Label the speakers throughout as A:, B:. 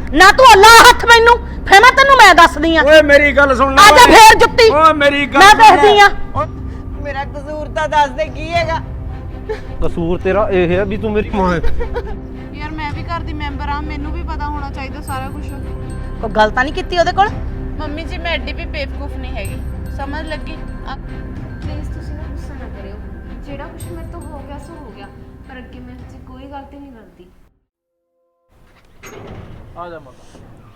A: ਨਾ ਤੂੰ ਲਾ ਹੱਥ ਮੈਨੂੰ, ਫੇਰ ਮੈਂ ਤੈਨੂੰ ਮੈਂ ਦੱਸਦੀ ਆ।
B: ਓਏ ਮੇਰੀ ਗੱਲ ਸੁਣ ਲੈ।
A: ਆ ਜਾ ਫੇਰ ਜੁੱਤੀ।
B: ਓਏ ਮੇਰੀ ਗੱਲ
A: ਮੈਂ ਦੱਸਦੀ ਆ।
C: ਮੇਰਾ ਕਸੂਰ ਤਾਂ ਦੱਸ ਦੇ ਕੀ ਹੈਗਾ।
D: ਕਸੂਰ ਤੇਰਾ ਇਹ ਹੈ ਵੀ ਤੂੰ ਮੇਰੀ ਮਾਂ ਹੈ।
E: ਯਾਰ ਮੈਂ ਵੀ ਘਰ ਦੀ ਮੈਂਬਰ ਆ, ਮੈਨੂੰ ਵੀ ਪਤਾ ਹੋਣਾ ਚਾਹੀਦਾ ਸਾਰਾ ਕੁਝ।
A: ਕੋਈ ਗੱਲ ਤਾਂ ਨਹੀਂ ਕੀਤੀ ਉਹਦੇ ਕੋਲ?
E: ਮੰਮੀ ਜੀ ਮੈਂ ਐਡੀ ਵੀ ਬੇਵਕੂਫ ਨਹੀਂ ਹੈਗੀ, ਸਮਝ ਲੱਗੀ।
F: ਪਲੀਜ਼ ਤੁਸੀਂ ਨਾ ਗੁੱਸਾ ਨਾ ਕਰਿਓ, ਜਿਹੜਾ ਕੁਝ ਮੇਰੇ ਤੋਂ ਹੋ ਗਿਆ ਸੋ ਹੋ ਗਿਆ, ਪਰ ਅੱਗੇ ਮੈਂ ਤੇ ਕੋਈ ਗਲਤੀ ਨਹੀਂ ਕਰਦੀ।
D: ਆ ਜਾ ਮਾਤਾ।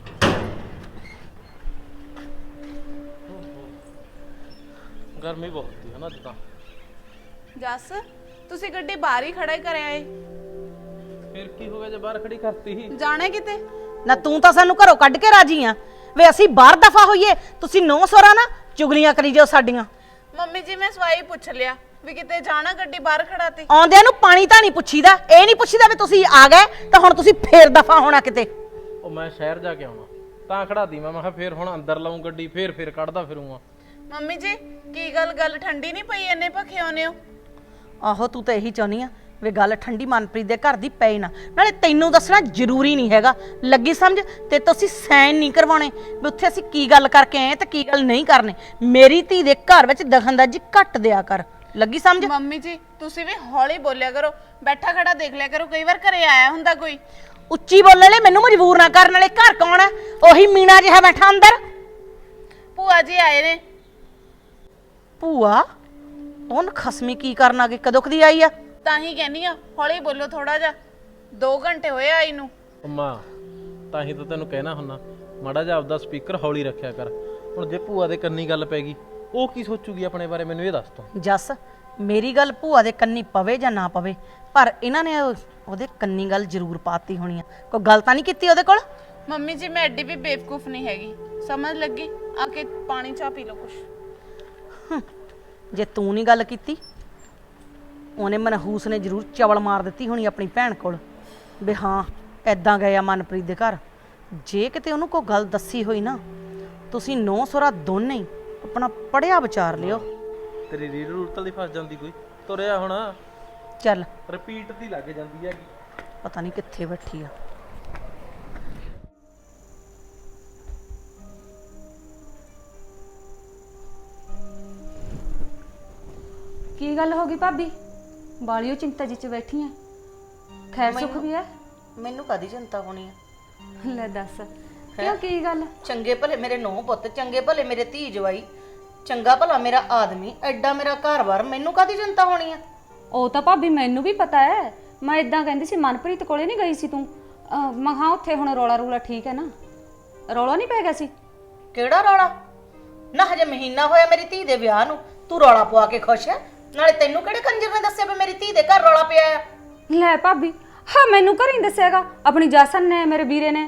D: ਗਰਮੀ ਬਹੁਤ ਹੈ ਨਾ ਅੱਜ ਤਾਂ।
E: ਜੱਸ ਤੁਸੀਂ ਗੱਡੀ ਬਾਹਰ ਹੀ ਖੜਾ ਹੀ ਕਰਿਆ ਏ,
D: ਫਿਰ ਕੀ ਹੋ ਗਿਆ ਜੇ ਬਾਹਰ ਖੜੀ ਕਰਤੀ ਹੀ?
E: ਜਾਣਾ ਕਿਤੇ?
A: ਨਾ ਤੂੰ ਤਾਂ ਸਾਨੂੰ ਘਰੋਂ ਕੱਢ ਕੇ ਰਾਜੀ ਆ ਵੇ, ਅਸੀਂ ਬਾਹਰ ਦਫਾ ਹੋਈਏ, ਤੁਸੀਂ ਨੌ ਸੋਰਾ ਨਾ ਚੁਗਲੀਆਂ ਕਰੀ ਜਾਓ ਸਾਡੀਆਂ।
E: ਮੰਮੀ ਜੀ ਮੈਂ ਸਵਾਈ ਪੁੱਛ ਲਿਆ ਵੀ ਕਿਤੇ ਜਾਣਾ, ਗੱਡੀ ਬਾਹਰ ਖੜਾਤੀ।
A: ਆਉਂਦਿਆਂ ਨੂੰ ਪਾਣੀ ਤਾਂ ਨਹੀਂ ਪੁੱਛੀਦਾ, ਇਹ ਨਹੀਂ ਪੁੱਛੀਦਾ ਵੀ ਤੁਸੀਂ ਆ ਗਏ ਤਾਂ ਹੁਣ ਤੁਸੀਂ ਫੇਰ ਦਫਾ ਹੋਣਾ ਕਿਤੇ।
D: ਉਹ ਮੈਂ ਸ਼ਹਿਰ ਜਾ ਕੇ ਆਉਣਾ ਤਾਂ ਖੜਾਤੀ ਮੈਂ ਕਿਹਾ ਫੇਰ ਹੁਣ ਅੰਦਰ ਲਾਉਂ ਗੱਡੀ, ਫੇਰ ਕੱਢਦਾ ਫਿਰੂੰਗਾ।
E: ਮੰਮੀ ਜੀ ਕੀ ਗੱਲ ਠੰਡੀ ਨਹੀਂ ਪਈ, ਇੰਨੇ ਭਖੇ ਆਉਨੇ ਹੋ?
A: ਆਹੋ ਤੂੰ ਤਾਂ ਇਹੀ ਚਾਹੁੰਦੀ ਆ ਵੇ ਗੱਲ ਠੰਡੀ ਮਨਪ੍ਰੀਤ ਦੇ ਘਰ ਦੀ ਪਏ ਨਾ, ਨਾਲੇ ਤੈਨੂੰ ਦੱਸਣਾ ਜ਼ਰੂਰੀ ਨਹੀਂ ਹੈਗਾ, ਲੱਗੀ ਸਮਝ? ਤੇ ਤੁਸੀਂ ਸਾਈਨ ਨਹੀਂ ਕਰਵਾਉਣੇ ਵੀ ਉੱਥੇ ਅਸੀਂ ਕੀ ਗੱਲ ਕਰਕੇ ਆਏ ਤੇ ਕੀ ਗੱਲ ਨਹੀਂ ਕਰਨੇ। ਮੇਰੀ ਧੀ ਦੇ ਘਰ ਵਿੱਚ ਦਖਲਅੰਦਾਜ਼ੀ ਘੱਟ ਦਿਆ ਕਰ, ਲੱਗੀ ਸਮਝ?
E: ਮੰਮੀ ਜੀ ਤੁਸੀਂ ਵੀ ਹੌਲੀ ਬੋਲਿਆ ਕਰੋ, ਬੈਠਾ ਖੜਾ ਦੇਖ ਲਿਆ ਕਰੋ, ਕਈ ਵਾਰ ਘਰੇ ਆਇਆ ਹੁੰਦਾ ਕੋਈ।
A: ਉੱਚੀ ਬੋਲਣ ਲਈ ਮੈਨੂੰ ਮਜਬੂਰ ਨਾ ਕਰਨ, ਵਾਲੇ ਘਰ ਕੌਣ ਹੈ? ਉਹੀ ਮੀਣਾ ਜਿਹਾ ਬੈਠਾ ਅੰਦਰ।
E: ਭੂਆ ਜੀ ਆਏ ਨੇ।
A: ਭੂਆ? ਉਹਨ ਖਸਮੀ ਕੀ ਕਰਨ ਆ ਗਈ, ਕਦੋਂ ਕਦੀ ਆਈ ਆ?
E: ਤਾਂ ਹੀ ਕਹਿੰਨੀ ਆ ਹੌਲੀ ਬੋਲੋ ਥੋੜਾ ਜਿਹਾ, 2 ਘੰਟੇ ਹੋਏ ਆਈ ਨੂੰ।
D: ਅੰਮਾ ਤਾਂ ਹੀ ਤਾਂ ਤੈਨੂੰ ਕਹਿਣਾ ਹੁੰਨਾ ਮਾੜਾ ਜਿਹਾ ਆਪਦਾ ਸਪੀਕਰ ਹੌਲੀ ਰੱਖਿਆ ਕਰ। ਹੁਣ ਜੇ ਭੂਆ ਦੇ ਕੰਨੀ ਗੱਲ ਪੈ ਗਈ ਉਹ ਕੀ ਸੋਚੂਗੀ ਆਪਣੇ ਬਾਰੇ, ਮੈਨੂੰ ਇਹ ਦੱਸ ਤੂੰ।
A: ਜੱਸ ਮੇਰੀ ਗੱਲ ਭੂਆ ਦੇ ਕੰਨੀ ਪਵੇ ਜਾਂ ਨਾ ਪਵੇ, ਪਰ ਇਹਨਾਂ ਨੇ ਉਹਦੇ ਕੰਨੀ ਗੱਲ ਜ਼ਰੂਰ ਪਾਤੀ ਹੋਣੀ ਆ। ਕੋਈ ਗੱਲ ਤਾਂ ਨਹੀਂ ਕੀਤੀ ਉਹਦੇ ਕੋਲ?
E: ਮੰਮੀ ਜੀ ਮੈਂ ਐਡੀ ਵੀ ਬੇਵਕੂਫ ਨਹੀਂ ਹੈਗੀ, ਸਮਝ ਲੱਗੀ? ਆ ਕੇ ਪਾਣੀ ਚਾਹ ਪੀ ਲਓ ਕੁਛ।
A: ਜੇ ਤੂੰ ਨਹੀਂ ਗੱਲ ਕੀਤੀ ਉਹਨੇ ਮਨਹੂਸ ਨੇ ਜ਼ਰੂਰ ਚਵਲ ਮਾਰ ਦਿੱਤੀ ਹੋਣੀ ਆਪਣੀ ਭੈਣ ਕੋਲ ਵੀ ਹਾਂ ਐਦਾਂ ਗਏ ਆ ਮਨਪ੍ਰੀਤ ਦੇ ਘਰ। ਜੇ ਕਿਤੇ ਉਹਨੂੰ ਕੋਈ ਗੱਲ ਦੱਸੀ ਹੋਈ ਨਾ, ਤੁਸੀਂ ਨੌ ਸੋਰਾ ਦੋਨੇ ਹੀ ਆਪਣਾ ਪੜਿਆ ਵਿਚਾਰ ਲਿਓ।
D: ਤੇਰੀ ਰੀਡ ਰੂਟਲ ਦੀ ਫਸ ਜਾਂਦੀ ਕੋਈ, ਤੁਰਿਆ ਹੁਣ
A: ਚੱਲ
D: ਰਿਪੀਟ ਦੀ ਲੱਗ ਜਾਂਦੀ ਹੈਗੀ।
A: ਪਤਾ ਨਹੀਂ ਕਿੱਥੇ ਬੈਠੀ ਆ।
F: ਕੀ ਗੱਲ ਹੋ ਗਈ ਭਾਬੀ? ਬਾਲੀਓ ਚਿੰਤਾ ਜੀ ਚ ਬੈਠੀ ਐ, ਖੈਰ ਸੁਖ ਵੀ ਐ?
A: ਮੈਨੂੰ ਕਾਦੀ ਚਿੰਤਾ ਹੋਣੀ ਆ?
F: ਲੈ ਦੱਸ ਕਿਉਂ, ਕੀ ਗੱਲ?
A: ਚੰਗੇ ਭਲੇ ਮੇਰੇ ਨੌ ਪੁੱਤ, ਚੰਗੇ ਭਲੇ ਮੇਰੇ ਧੀ ਜਵਾਈ, ਚੰਗਾ ਭਲਾ ਮੇਰਾ ਆਦਮੀ, ਐਡਾ ਮੇਰਾ ਘਰ-ਬਾਰ, ਮੈਨੂੰ ਕਾਦੀ ਚਿੰਤਾ ਹੋਣੀ ਆ?
F: ਉਹ ਤਾਂ ਭਾਬੀ ਮੈਨੂੰ ਵੀ ਪਤਾ ਐ, ਮੈਂ ਇਦਾਂ ਕਹਿੰਦੀ ਸੀ ਮਨਪ੍ਰੀਤ ਕੋਲੇ ਨਹੀਂ ਗਈ ਸੀ ਤੂੰ? ਮੈਂ ਹਾਂ ਉੱਥੇ ਹੁਣ ਰੌਲਾ ਰੂਲਾ ਠੀਕ ਹੈ ਨਾ, ਰੌਲਾ ਨਹੀਂ ਪੈ ਗਿਆ ਸੀ?
A: ਕਿਹੜਾ ਰੌਲਾ? ਨਾ ਹਜੇ ਮਹੀਨਾ ਹੋਇਆ ਮੇਰੀ ਧੀ ਦੇ ਵਿਆਹ ਨੂੰ, ਤੂੰ ਰੌਲਾ ਪਵਾ ਕੇ ਖੁਸ਼ ਹੈ? ਨਾਲੇ ਤੈਨੂੰ ਕਿਹੜੇ ਕੰਜਰ ਨੇ ਦੱਸਿਆ ਵੀ ਮੇਰੀ ਧੀ ਦੇ ਘਰ ਰੌਲਾ ਪਿਆ ਆ?
F: ਲੈ ਭਾਬੀ ਹਾਂ ਮੈਨੂੰ ਘਰ ਹੀ ਦੱਸਿਆਗਾ, ਆਪਣੀ ਜਾਸਨ ਨੇ, ਮੇਰੇ ਵੀਰੇ ਨੇ।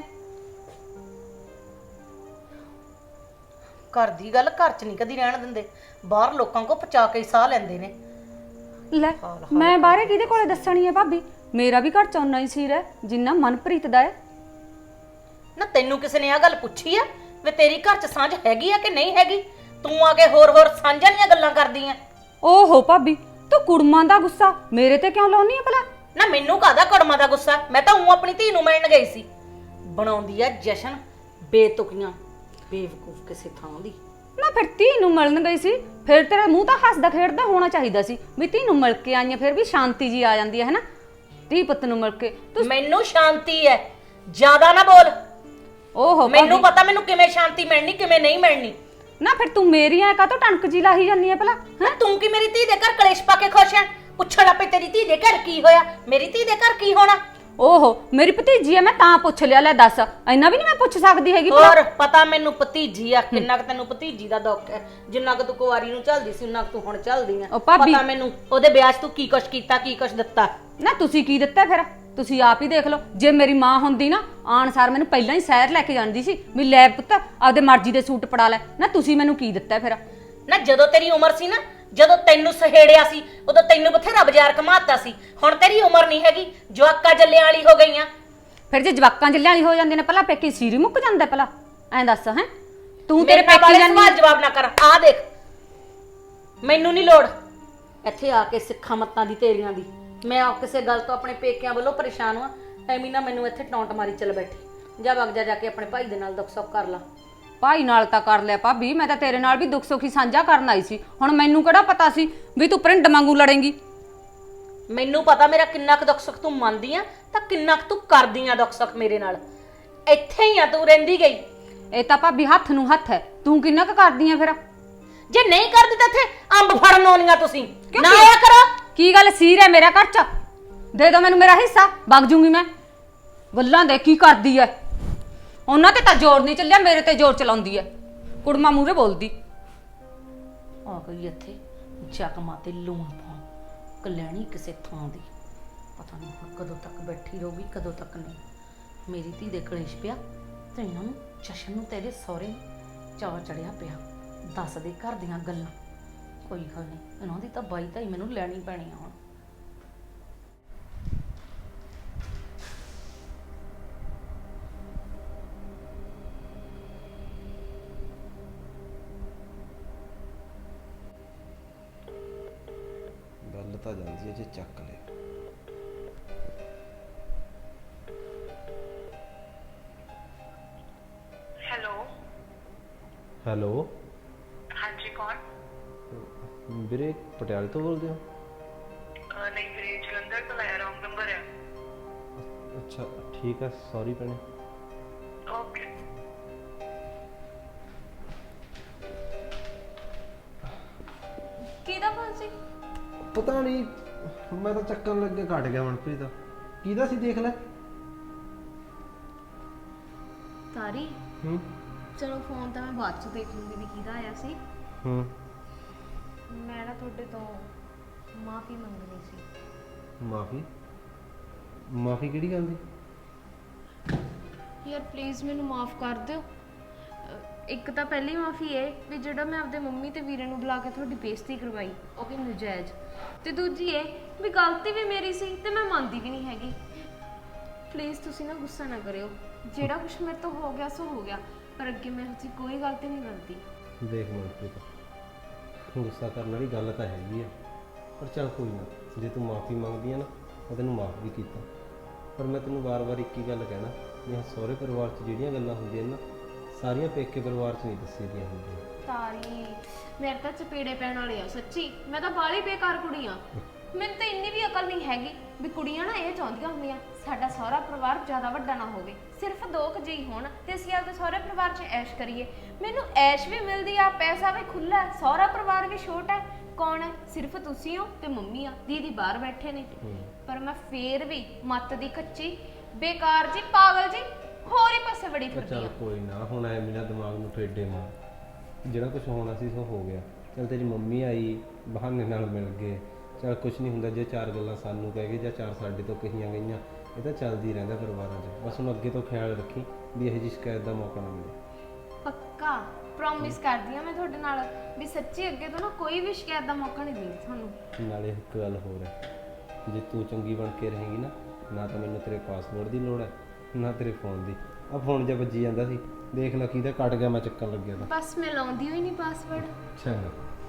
A: ਘਰ ਦੀ ਗੱਲ ਘਰ 'ਚ ਨਹੀਂ ਕਦੀ ਰਹਿਣ ਦਿੰਦੇ, ਬਾਹਰ ਲੋਕਾਂ ਕੋ ਪਚਾ ਕੇ ਸਾਹ ਲੈਂਦੇ ਨੇ।
F: ਲੈ ਮੈਂ ਬਾਹਰੇ ਕਿਹਦੇ ਕੋਲੇ ਦੱਸਣੀ ਹੈ ਭਾਬੀ? ਮੇਰਾ ਵੀ ਘਰ ਚ ਓਨਾ ਹੀ ਸੀਰ ਹੈ ਜਿੰਨਾ ਮਨਪ੍ਰੀਤ ਦਾ ਹੈ।
A: ਨਾ ਤੈਨੂੰ ਕਿਸੇ ਨੇ ਆ ਗੱਲ ਪੁੱਛੀ ਆ ਵੀ ਤੇਰੀ ਘਰ 'ਚ ਸਾਂਝ ਹੈਗੀ ਆ ਕਿ ਨਹੀਂ ਹੈਗੀ? ਤੂੰ ਆ ਕੇ ਹੋਰ ਸਾਂਝਾਂ ਦੀਆਂ ਗੱਲਾਂ ਕਰਦੀ ਆ।
F: ਓਹੋ ਭਾਬੀ ਤੂੰ ਕੁੜਮਾਂ ਦਾ ਗੁੱਸਾ ਮੇਰੇ ਤੇ ਕਿਉਂ ਲਾਉਣੀ ਹੈ ਭਲਾ?
A: ਨਾ ਮੈਨੂੰ ਕਾਹਦਾ ਕੜਮਾਂ ਦਾ ਗੁੱਸਾ, ਮੈਂ ਤਾਂ ਉਹ ਆਪਣੀ ਧੀ ਨੂੰ ਮਿਲਣ ਗਈ ਸੀ। ਬਣਾਉਂਦੀ ਆ ਜਸ਼ਨ ਬੇਤੁਕੀਆਂ, ਬੇਵਕੂਫ ਕਿਸੇ ਥਾਂ ਦੀ।
F: ਨਾ ਫਿਰ ਧੀ ਨੂੰ ਮਿਲਣ ਗਈ ਸੀ, ਫਿਰ ਤੇਰਾ ਮੂੰਹ ਤਾਂ ਹੱਸਦਾ ਖੇਡਦਾ ਹੋਣਾ ਚਾਹੀਦਾ ਸੀ ਵੀ ਧੀ ਨੂੰ ਮਿਲ ਕੇ ਆਈਆਂ, ਫਿਰ ਵੀ ਸ਼ਾਂਤੀ ਜੀ ਆ ਜਾਂਦੀ ਹੈ ਨਾ ਧੀ ਪੁੱਤ ਨੂੰ ਮਿਲ ਕੇ। ਤੂੰ
A: ਮੈਨੂੰ ਸ਼ਾਂਤੀ ਹੈ, ਜ਼ਿਆਦਾ ਨਾ ਬੋਲ।
F: ਓਹੋ
A: ਮੈਨੂੰ ਪਤਾ ਮੈਨੂੰ ਕਿਵੇਂ ਸ਼ਾਂਤੀ ਮਿਲਣੀ, ਕਿਵੇਂ ਨਹੀਂ ਮਿਲਣੀ।
F: ਨਾ ਫਿਰ ਤੂੰ ਮੇਰੀ ਐ ਕਾਹਤੋਂ ਟਣਕ ਜੀ ਲਾਹੀ ਜਾਂਦੀ ਹੈ ਭਲਾ?
A: ਨਾ ਤੂੰ ਕੀ ਮੇਰੀ ਧੀ ਦੇ ਘਰ ਕਲੇਸ਼ ਪਾ ਕੇ ਖੁਸ਼ ਹੈ? ਪੁੱਛਣ ਲੱਪੇ ਤੇਰੀ ਧੀ ਦੇ ਘਰ ਕੀ ਹੋਇਆ, ਮੇਰੀ ਧੀ ਦੇ ਘਰ ਕੀ ਹੋਣਾ?
F: ਓਹੋ ਮੇਰੀ ਭਤੀਜੀ ਐ, ਮੈਂ ਤਾਂ ਪੁੱਛ ਲਿਆ। ਲੈ ਦੱਸ ਇੰਨਾ ਵੀ ਨਹੀਂ ਮੈਂ ਪੁੱਛ ਸਕਦੀ ਹੈਗੀ ਭਲਾ?
A: ਹੋਰ ਪਤਾ ਮੈਨੂੰ ਭਤੀਜੀ ਆ, ਕਿੰਨਾ ਕੁ ਤੈਨੂੰ ਭਤੀਜੀ ਦਾ ਦੁੱਖ ਹੈ। ਜਿੰਨਾ ਕੁ ਤੂੰ ਕੁਵਾਰੀ ਨੂੰ ਝੱਲਦੀ ਸੀ ਉਨਾ ਕੁ ਤੂੰ ਹੁਣ ਝੱਲਦੀ ਆ।
F: ਉਹ ਭਾਬੀ
A: ਪਤਾ ਮੈਨੂੰ ਉਹਦੇ ਵਿਆਹ 'ਚ ਤੂੰ ਕੀ ਕੁਛ ਕੀਤਾ, ਕੀ ਕੁਛ ਦਿੱਤਾ।
F: ਨਾ ਤੁਸੀਂ ਕੀ ਦਿੱਤਾ ਫਿਰ? ਤੁਸੀਂ ਆਪ ਹੀ ਦੇਖ ਲਓ। ਜੇ ਮੇਰੀ ਮਾਂ ਹੁੰਦੀ ਨਾ ਆਣ ਸਾਰ ਮੈਨੂੰ ਪਹਿਲਾਂ ਹੀ ਸ਼ਹਿਰ ਲੈ ਕੇ ਜਾਂਦੀ ਸੀ ਵੀ ਲੈ ਪੁੱਤ ਆਪਦੇ ਮਰਜ਼ੀ ਦੇ ਸੂਟ ਪੜਾ ਲੈ। ਨਾ ਤੁਸੀਂ ਮੈਨੂੰ ਕੀ ਦਿੱਤਾ ਫਿਰ?
A: ਨਾ ਜਦੋਂ ਤੇਰੀ ਉਮਰ ਸੀ ਨਾ, ਜਦੋਂ ਤੈਨੂੰ ਸਹੇੜਿਆ ਸੀ, ਉਦੋਂ ਤੈਨੂੰ ਬਥੇਰਾ ਬਾਜ਼ਾਰ ਘਮਾਤਾ ਸੀ। ਹੁਣ ਤੇਰੀ ਉਮਰ ਨਹੀਂ ਹੈਗੀ, ਜਵਾਕਾਂ ਜੱਲਿਆਂ ਵਾਲੀ ਹੋ ਗਈਆਂ।
F: ਫਿਰ ਜੇ ਜਵਾਕਾਂ ਜੱਲਿਆਂ ਵਾਲੀ ਹੋ ਜਾਂਦੇ ਨੇ ਪਹਿਲਾਂ ਪੇਕੀ ਸੀਰੀ ਮੁੱਕ ਜਾਂਦਾ ਪਹਿਲਾਂ? ਐਂ ਦੱਸ ਹੈ ਤੂੰ
A: ਤੇਰੇ
F: ਤੇਰੇ ਪੇਕੀ
A: ਵਾਲੇ
F: ਜਾਂਦੀ
A: ਸਵਾਲ ਜਵਾਬ ਨਾ ਕਰ। ਆ ਦੇਖ ਮੈਨੂੰ ਨਹੀਂ ਲੋੜ ਇੱਥੇ ਆ ਕੇ ਸਿੱਖਾਂ ਮੱਤਾਂ ਦੀ ਤੇਰੀਆਂ ਦੀ। ਮੈਂ ਆ ਕਿਸੇ ਗੱਲ ਤੋਂ ਆਪਣੇ ਪੇਕਿਆਂ ਵੱਲੋਂ ਪਰੇਸ਼ਾਨ ਹਾਂ, ਐਵੇਂ ਨਾ ਮੈਨੂੰ ਇੱਥੇ ਟੌਂਟ ਮਾਰੀ ਚੱਲ ਬੈਠੀ। ਜਾ ਵਗ ਜਾ ਕੇ ਆਪਣੇ ਭਾਈ ਦੇ ਨਾਲ ਦੁੱਖ ਸੁੱਖ ਕਰ ਲਾ।
F: ਭਾਈ ਨਾਲ ਤਾਂ ਕਰ ਲਿਆ ਭਾਬੀ, ਮੈਂ ਤਾਂ ਤੇਰੇ ਨਾਲ ਵੀ ਦੁੱਖ ਸੁੱਖ ਹੀ ਸਾਂਝਾ ਕਰਨ ਆਈ ਸੀ। ਹੁਣ ਮੈਨੂੰ ਕਿਹੜਾ ਪਤਾ ਸੀ ਵੀ ਤੂੰ ਪ੍ਰਿੰਡ ਵਾਂਗੂ ਲੜੇਂਗੀ।
A: ਮੈਨੂੰ ਪਤਾ ਮੇਰਾ ਕਿੰਨਾ ਕੁ ਦੁੱਖ ਸੁੱਖ ਤੂੰ ਮੰਨਦੀ ਆ ਤਾਂ ਕਿੰਨਾ ਕੁ ਤੂੰ ਕਰਦੀ ਆ ਦੁੱਖ ਸੁੱਖ ਮੇਰੇ ਨਾਲ। ਇੱਥੇ ਹੀ ਆ ਤੂੰ ਰਹਿੰਦੀ ਗਈ।
F: ਇਹ ਤਾਂ ਭਾਬੀ ਹੱਥ ਨੂੰ ਹੱਥ ਹੈ, ਤੂੰ ਕਿੰਨਾ ਕੁ ਕਰਦੀ ਆ ਫਿਰ?
A: ਜੇ ਨਹੀਂ ਕਰਦੀ ਤਾਂ ਇੱਥੇ ਅੰਬ ਫੜਨ ਆਉਣੀਆਂ ਤੁਸੀਂ ਨਾ ਆਇਆ ਕਰੋ।
F: ਕੀ ਗੱਲ ਸੀਰ ਹੈ ਮੇਰਾ ਘਰ ਚ? ਦੇ ਦੋ ਮੈਨੂੰ ਮੇਰਾ ਹਿੱਸਾ, ਵਗ ਜੂੰਗੀ ਮੈਂ। ਗੱਲਾਂ ਦੇ ਕੀ ਕਰਦੀ ਐ? ਉਹਨਾਂ ਤੇ ਤਾਂ ਜ਼ੋਰ ਨਹੀਂ ਚੱਲਿਆ, ਮੇਰੇ ਤੇ ਜ਼ੋਰ ਚਲਾਉਂਦੀ ਐ। ਕੁੜਮਾ ਮੂਹਰੇ ਬੋਲਦੀ।
A: ਆ ਗਈ ਇੱਥੇ ਜ਼ਖਮਾਂ ਤੇ ਲੂਣ ਪਾਉਣ, ਕਲਿਆਣੀ ਕਿਸੇ ਥਾਂ ਦੀ। ਪਤਾ ਨਹੀਂ ਹੁਣ ਕਦੋਂ ਤੱਕ ਬੈਠੀ ਰਹੂਗੀ, ਕਦੋਂ ਤੱਕ ਨਹੀਂ। ਮੇਰੀ ਧੀ ਦੇ ਕਲੇਸ਼ ਪਿਆ ਤੇ ਇਹਨਾਂ ਨੂੰ ਜਸ਼ਨ ਨੂੰ ਤੇਰੇ ਸਹੁਰੇ ਚਾਅ ਚੜਿਆ ਪਿਆ। ਦੱਸ ਦੇ ਘਰ ਦੀਆਂ ਗੱਲਾਂ। ਕੋਈ ਗੱਲ ਨਹੀਂ, ਇਹਨਾਂ ਦੀ ਤਾਂ ਬਾਈ ਤਾਂ ਹੀ ਮੈਨੂੰ ਲੈਣੀ ਪੈਣੀ ਆ ਹੁਣ।
B: ਗੱਲ ਤਾਂ ਜਾਂਦੀ ਹੈ ਜੇ ਚੱਕ ਲੈ।
G: हेलो
D: ਹੈਲੋ
G: हाँ जी कौन
D: ਵੀਰੇ ਪਟਿਆਲੇ ਤੋਂ ਬੋਲਦੇ ਹੋ?
G: नहीं मेरे जलंधर तो लाया रॉन्ग नंबर है
D: ਅੱਛਾ ਠੀਕ ਹੈ, ਸੌਰੀ ਭੈਣੇ।
G: ओके
E: ਕਿਹਦਾ ਫੋਨ ਸੀ?
B: ਪਤਾ ਨਹੀਂ, ਮੈਂ ਤਾਂ ਚੱਕਣ ਲੱਗੇ ਘਟ ਗਿਆ ਮਨਪ੍ਰੀਤ ਦਾ। ਕਿਹਦਾ ਸੀ ਦੇਖ ਲੈ।
H: ਤਾਰੀ
B: ਹੂੰ
H: ਚਲੋ ਫੋਨ ਤਾਂ ਮੈਂ ਬਾਅਦ ਚ ਦੇਖ ਲੂੰਗੀ ਵੀ ਕਿਹਦਾ ਆਇਆ ਸੀ।
B: ਹੂੰ
H: ਮੈਂ ਨਾ ਤੁਹਾਡੇ ਤੋਂ ਮਾਫੀ ਮੰਗਣੀ ਸੀ।
B: ਮਾਫੀ? ਮਾਫੀ ਕਿਹੜੀ ਗੱਲ ਦੀ?
H: ਯਾਰ ਪਲੀਜ਼ ਮੈਨੂੰ ਮਾਫ ਕਰ ਦਿਓ। ਇੱਕ ਤਾਂ ਪਹਿਲੀ ਮਾਫੀ ਇਹ ਵੀ ਜਿਹੜਾ ਮੈਂ ਆਪਦੇ ਮੰਮੀ ਤੇ ਵੀਰੇ ਨੂੰ ਬੁਲਾ ਕੇ ਤੁਹਾਡੀ ਬੇਇੱਜ਼ਤੀ ਕਰਵਾਈ, ਉਹ ਵੀ ਨਜਾਇਜ਼। ਤੇ ਦੂਜੀ ਇਹ ਵੀ ਗਲਤੀ ਵੀ ਮੇਰੀ ਸੀ ਤੇ ਮੈਂ ਮੰਨਦੀ ਵੀ ਨਹੀਂ ਹੈਗੀ। ਪਲੀਜ਼ ਤੁਸੀਂ ਨਾ ਗੁੱਸਾ ਨਾ ਕਰਿਓ। ਜਿਹੜਾ ਕੁਝ ਮੇਰੇ ਤੋਂ ਹੋ ਗਿਆ ਸੋ ਹੋ ਗਿਆ, ਪਰ ਅੱਗੇ ਮੈਂ ਹਜੇ ਕੋਈ ਗਲਤੀ ਨਹੀਂ ਕਰਦੀ।
B: ਦੇਖ ਮਨਪ੍ਰੀਤ, ਗੁੱਸਾ ਕਰਨ ਵਾਲੀ ਗੱਲ ਤਾਂ ਹੈਗੀ ਆ, ਪਰ ਚੱਲ ਕੋਈ ਨਾ। ਜੇ ਤੂੰ ਮਾਫੀ ਮੰਗਦੀ ਆ ਨਾ, ਮੈਂ ਤੈਨੂੰ ਮਾਫ ਵੀ ਕੀਤਾ। ਪਰ ਮੈਂ ਤੈਨੂੰ ਵਾਰ-ਵਾਰ ਇੱਕ ਹੀ ਗੱਲ ਕਹਿਣਾ, ਵੀ ਸਹੁਰੇ ਪਰਿਵਾਰ 'ਚ ਜਿਹੜੀਆਂ ਗੱਲਾਂ ਹੁੰਦੀਆਂ ਨਾ, ਸਾਰੀਆਂ ਪੇਕੇ ਪਰਿਵਾਰ 'ਚ ਨਹੀਂ ਦੱਸੀ ਦੀਆਂ ਹੁੰਦੀਆਂ।
H: ਤਾਰੀ ਮੇਰੇ ਤਾਂ ਚਪੇੜੇ ਪੈਣ ਵਾਲੇ ਆ ਸੱਚੀ। ਮੈਂ ਤਾਂ ਬਾਲੀ ਬੇਕਾਰ ਕੁੜੀ ਆ। ਮੈਨੂੰ ਤਾਂ ਇੰਨੀ ਵੀ ਅਕਲ ਨਹੀਂ ਹੈਗੀ ਵੀ ਕੁੜੀਆਂ ਨਾ ਇਹ ਚਾਹੁੰਦੀਆਂ ਹੁੰਦੀਆਂ ਸਾਡਾ ਸਹੁਰਾ ਪਰਿਵਾਰ ਜ਼ਿਆਦਾ ਵੱਡਾ ਨਾ ਹੋਵੇ, ਸਿਰਫ 2 ਜੀ ਹੋਣ ਤੇ ਅਸੀਂ ਆਪਦੇ ਸਹੁਰੇ ਪਰਿਵਾਰ 'ਚ ਐਸ਼ ਕਰੀਏ। ਮੈਨੂੰ ਐਸ਼ ਵੀ ਮਿਲਦੀ ਆ, ਪੈਸਾ ਵੀ ਖੁੱਲਾ ਹੈ, ਸਹੁਰਾ ਪਰਿਵਾਰ ਵੀ ਛੋਟਾ ਹੈ। ਕੌਣ ਹੈ? ਸਿਰਫ ਤੁਸੀਂ ਹੋ ਤੇ ਮੰਮੀ ਆ, ਦੀਦੀ ਬਾਹਰ ਬੈਠੇ ਨੇ। ਪਰ ਮੈਂ ਫੇਰ ਵੀ ਮੱਤ ਦੀ ਕੱਚੀ ਬੇਕਾਰ ਜੀ, ਪਾਗਲ ਜੀ, ਹੋਰ ਹੀ ਪਾਸੇ ਬੜੀ ਫਿਰਦੀ
B: ਚੱਲ
H: ਆ।
B: ਕੋਈ ਨਾ, ਹੁਣ ਐ ਮੇਰਾ ਦਿਮਾਗ ਨੂੰ ਠੇਡੇ ਮਾਰ। ਜਿਹੜਾ ਕੁਝ ਹੋਣਾ ਸੀ ਸੋ ਹੋ ਗਿਆ। ਚੱਲ ਤੇਰੀ ਮੰਮੀ ਆਈ, ਬਹਾਨੇ ਨਾਲ ਮਿਲ ਗਏ, ਚੱਲ ਕੁਝ ਨਹੀਂ ਹੁੰਦਾ। ਜੇ 4 ਗੱਲਾਂ ਸਾਨੂੰ ਕਹਿ ਗਏ ਜਾਂ 4 ਸਾਡੇ ਤੋਂ ਕਹੀਆਂ ਗਈਆਂ, ਇਹ ਤਾਂ ਚੱਲਦੀ ਰਹਿੰਦਾ ਪਰਿਵਾਰਾਂ 'ਚ। ਬਸ ਹੁਣ ਅੱਗੇ ਤੋਂ ਖਿਆਲ ਰੱਖੀ ਵੀ ਇਹੋ ਜਿਹੀ ਸ਼ਿਕਾਇਤ ਦਾ ਮੌਕਾ ਨਾ ਮਿਲੇ।
H: ਪੱਕਾ ਪ੍ਰੋਮਿਸ ਕਰਦੀ ਆ ਮੈਂ ਤੁਹਾਡੇ ਨਾਲ ਵੀ ਸੱਚੀ ਅੱਗੇ ਤੋਂ ਨਾ ਕੋਈ ਵੀ ਸ਼ਿਕਾਇਤ ਦਾ ਮੌਕਾ ਨਹੀਂ ਦੇਣੀ ਤੁਹਾਨੂੰ।
B: ਨਾਲੇ ਇੱਕ ਗੱਲ ਹੋਰ ਹੈ, ਜੇ ਤੂੰ ਚੰਗੀ ਬਣ ਕੇ ਰਹੇਂਗੀ ਨਾ, ਨਾ ਤਾਂ ਮੈਨੂੰ ਤੇਰੇ ਪਾਸਵਰਡ ਦੀ ਲੋੜ ਹੈ, ਨਾ ਤੇਰੇ ਫੋਨ ਦੀ। ਆ ਫੋਨ ਜਿਹਾ ਵੱਜੀ ਜਾਂਦਾ ਸੀ, ਦੇਖ ਲੈ ਕਿਹਦਾ ਕੱਟ ਗਿਆ, ਮੈਂ ਚੱਕਣ ਲੱਗਿਆ ਤਾਂ।
H: ਬਸ ਮੈਂ ਲਾਉਂਦੀ ਹੋਈ ਨਹੀਂ ਪਾਸਵਰਡ।
B: ਚੰਗਾ।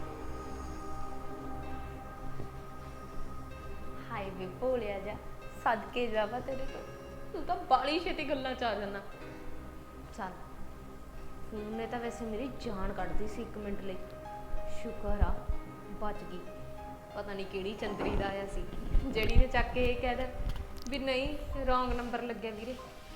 H: ਹਾਏ ਵੇ ਭੋਲਿਆ ਜਾ, ਸਦਕੇ ਜਾਵਾ ਤੇਰੇ ਕੋਲ। ਤੂੰ ਤਾਂ ਬਾਲੀ ਛੇਤੀ ਗੱਲਾਂ ਚ ਆ ਜਾਣਾ। ਚੱਲ ਫੋਨ ਨੇ ਤਾਂ ਵੈਸੇ ਮੇਰੀ ਜਾਨ ਕੱਢਦੀ ਸੀ 1 ਮਿੰਟ ਲਈ। ਸ਼ੁਕਰ ਆ ਬਚ ਗਈ। ਪਤਾ ਨਹੀਂ ਕਿਹੜੀ ਚੰਦਰੀ ਦਾ ਆਇਆ ਸੀ ਜਿਹੜੀ ਨੇ ਚੱਕ ਕੇ ਇਹ ਕਹਿ ਦੇ ਵੀ ਨਹੀਂ ਰੋਂਗ ਨੰਬਰ ਲੱਗਿਆ ਵੀਰੇ।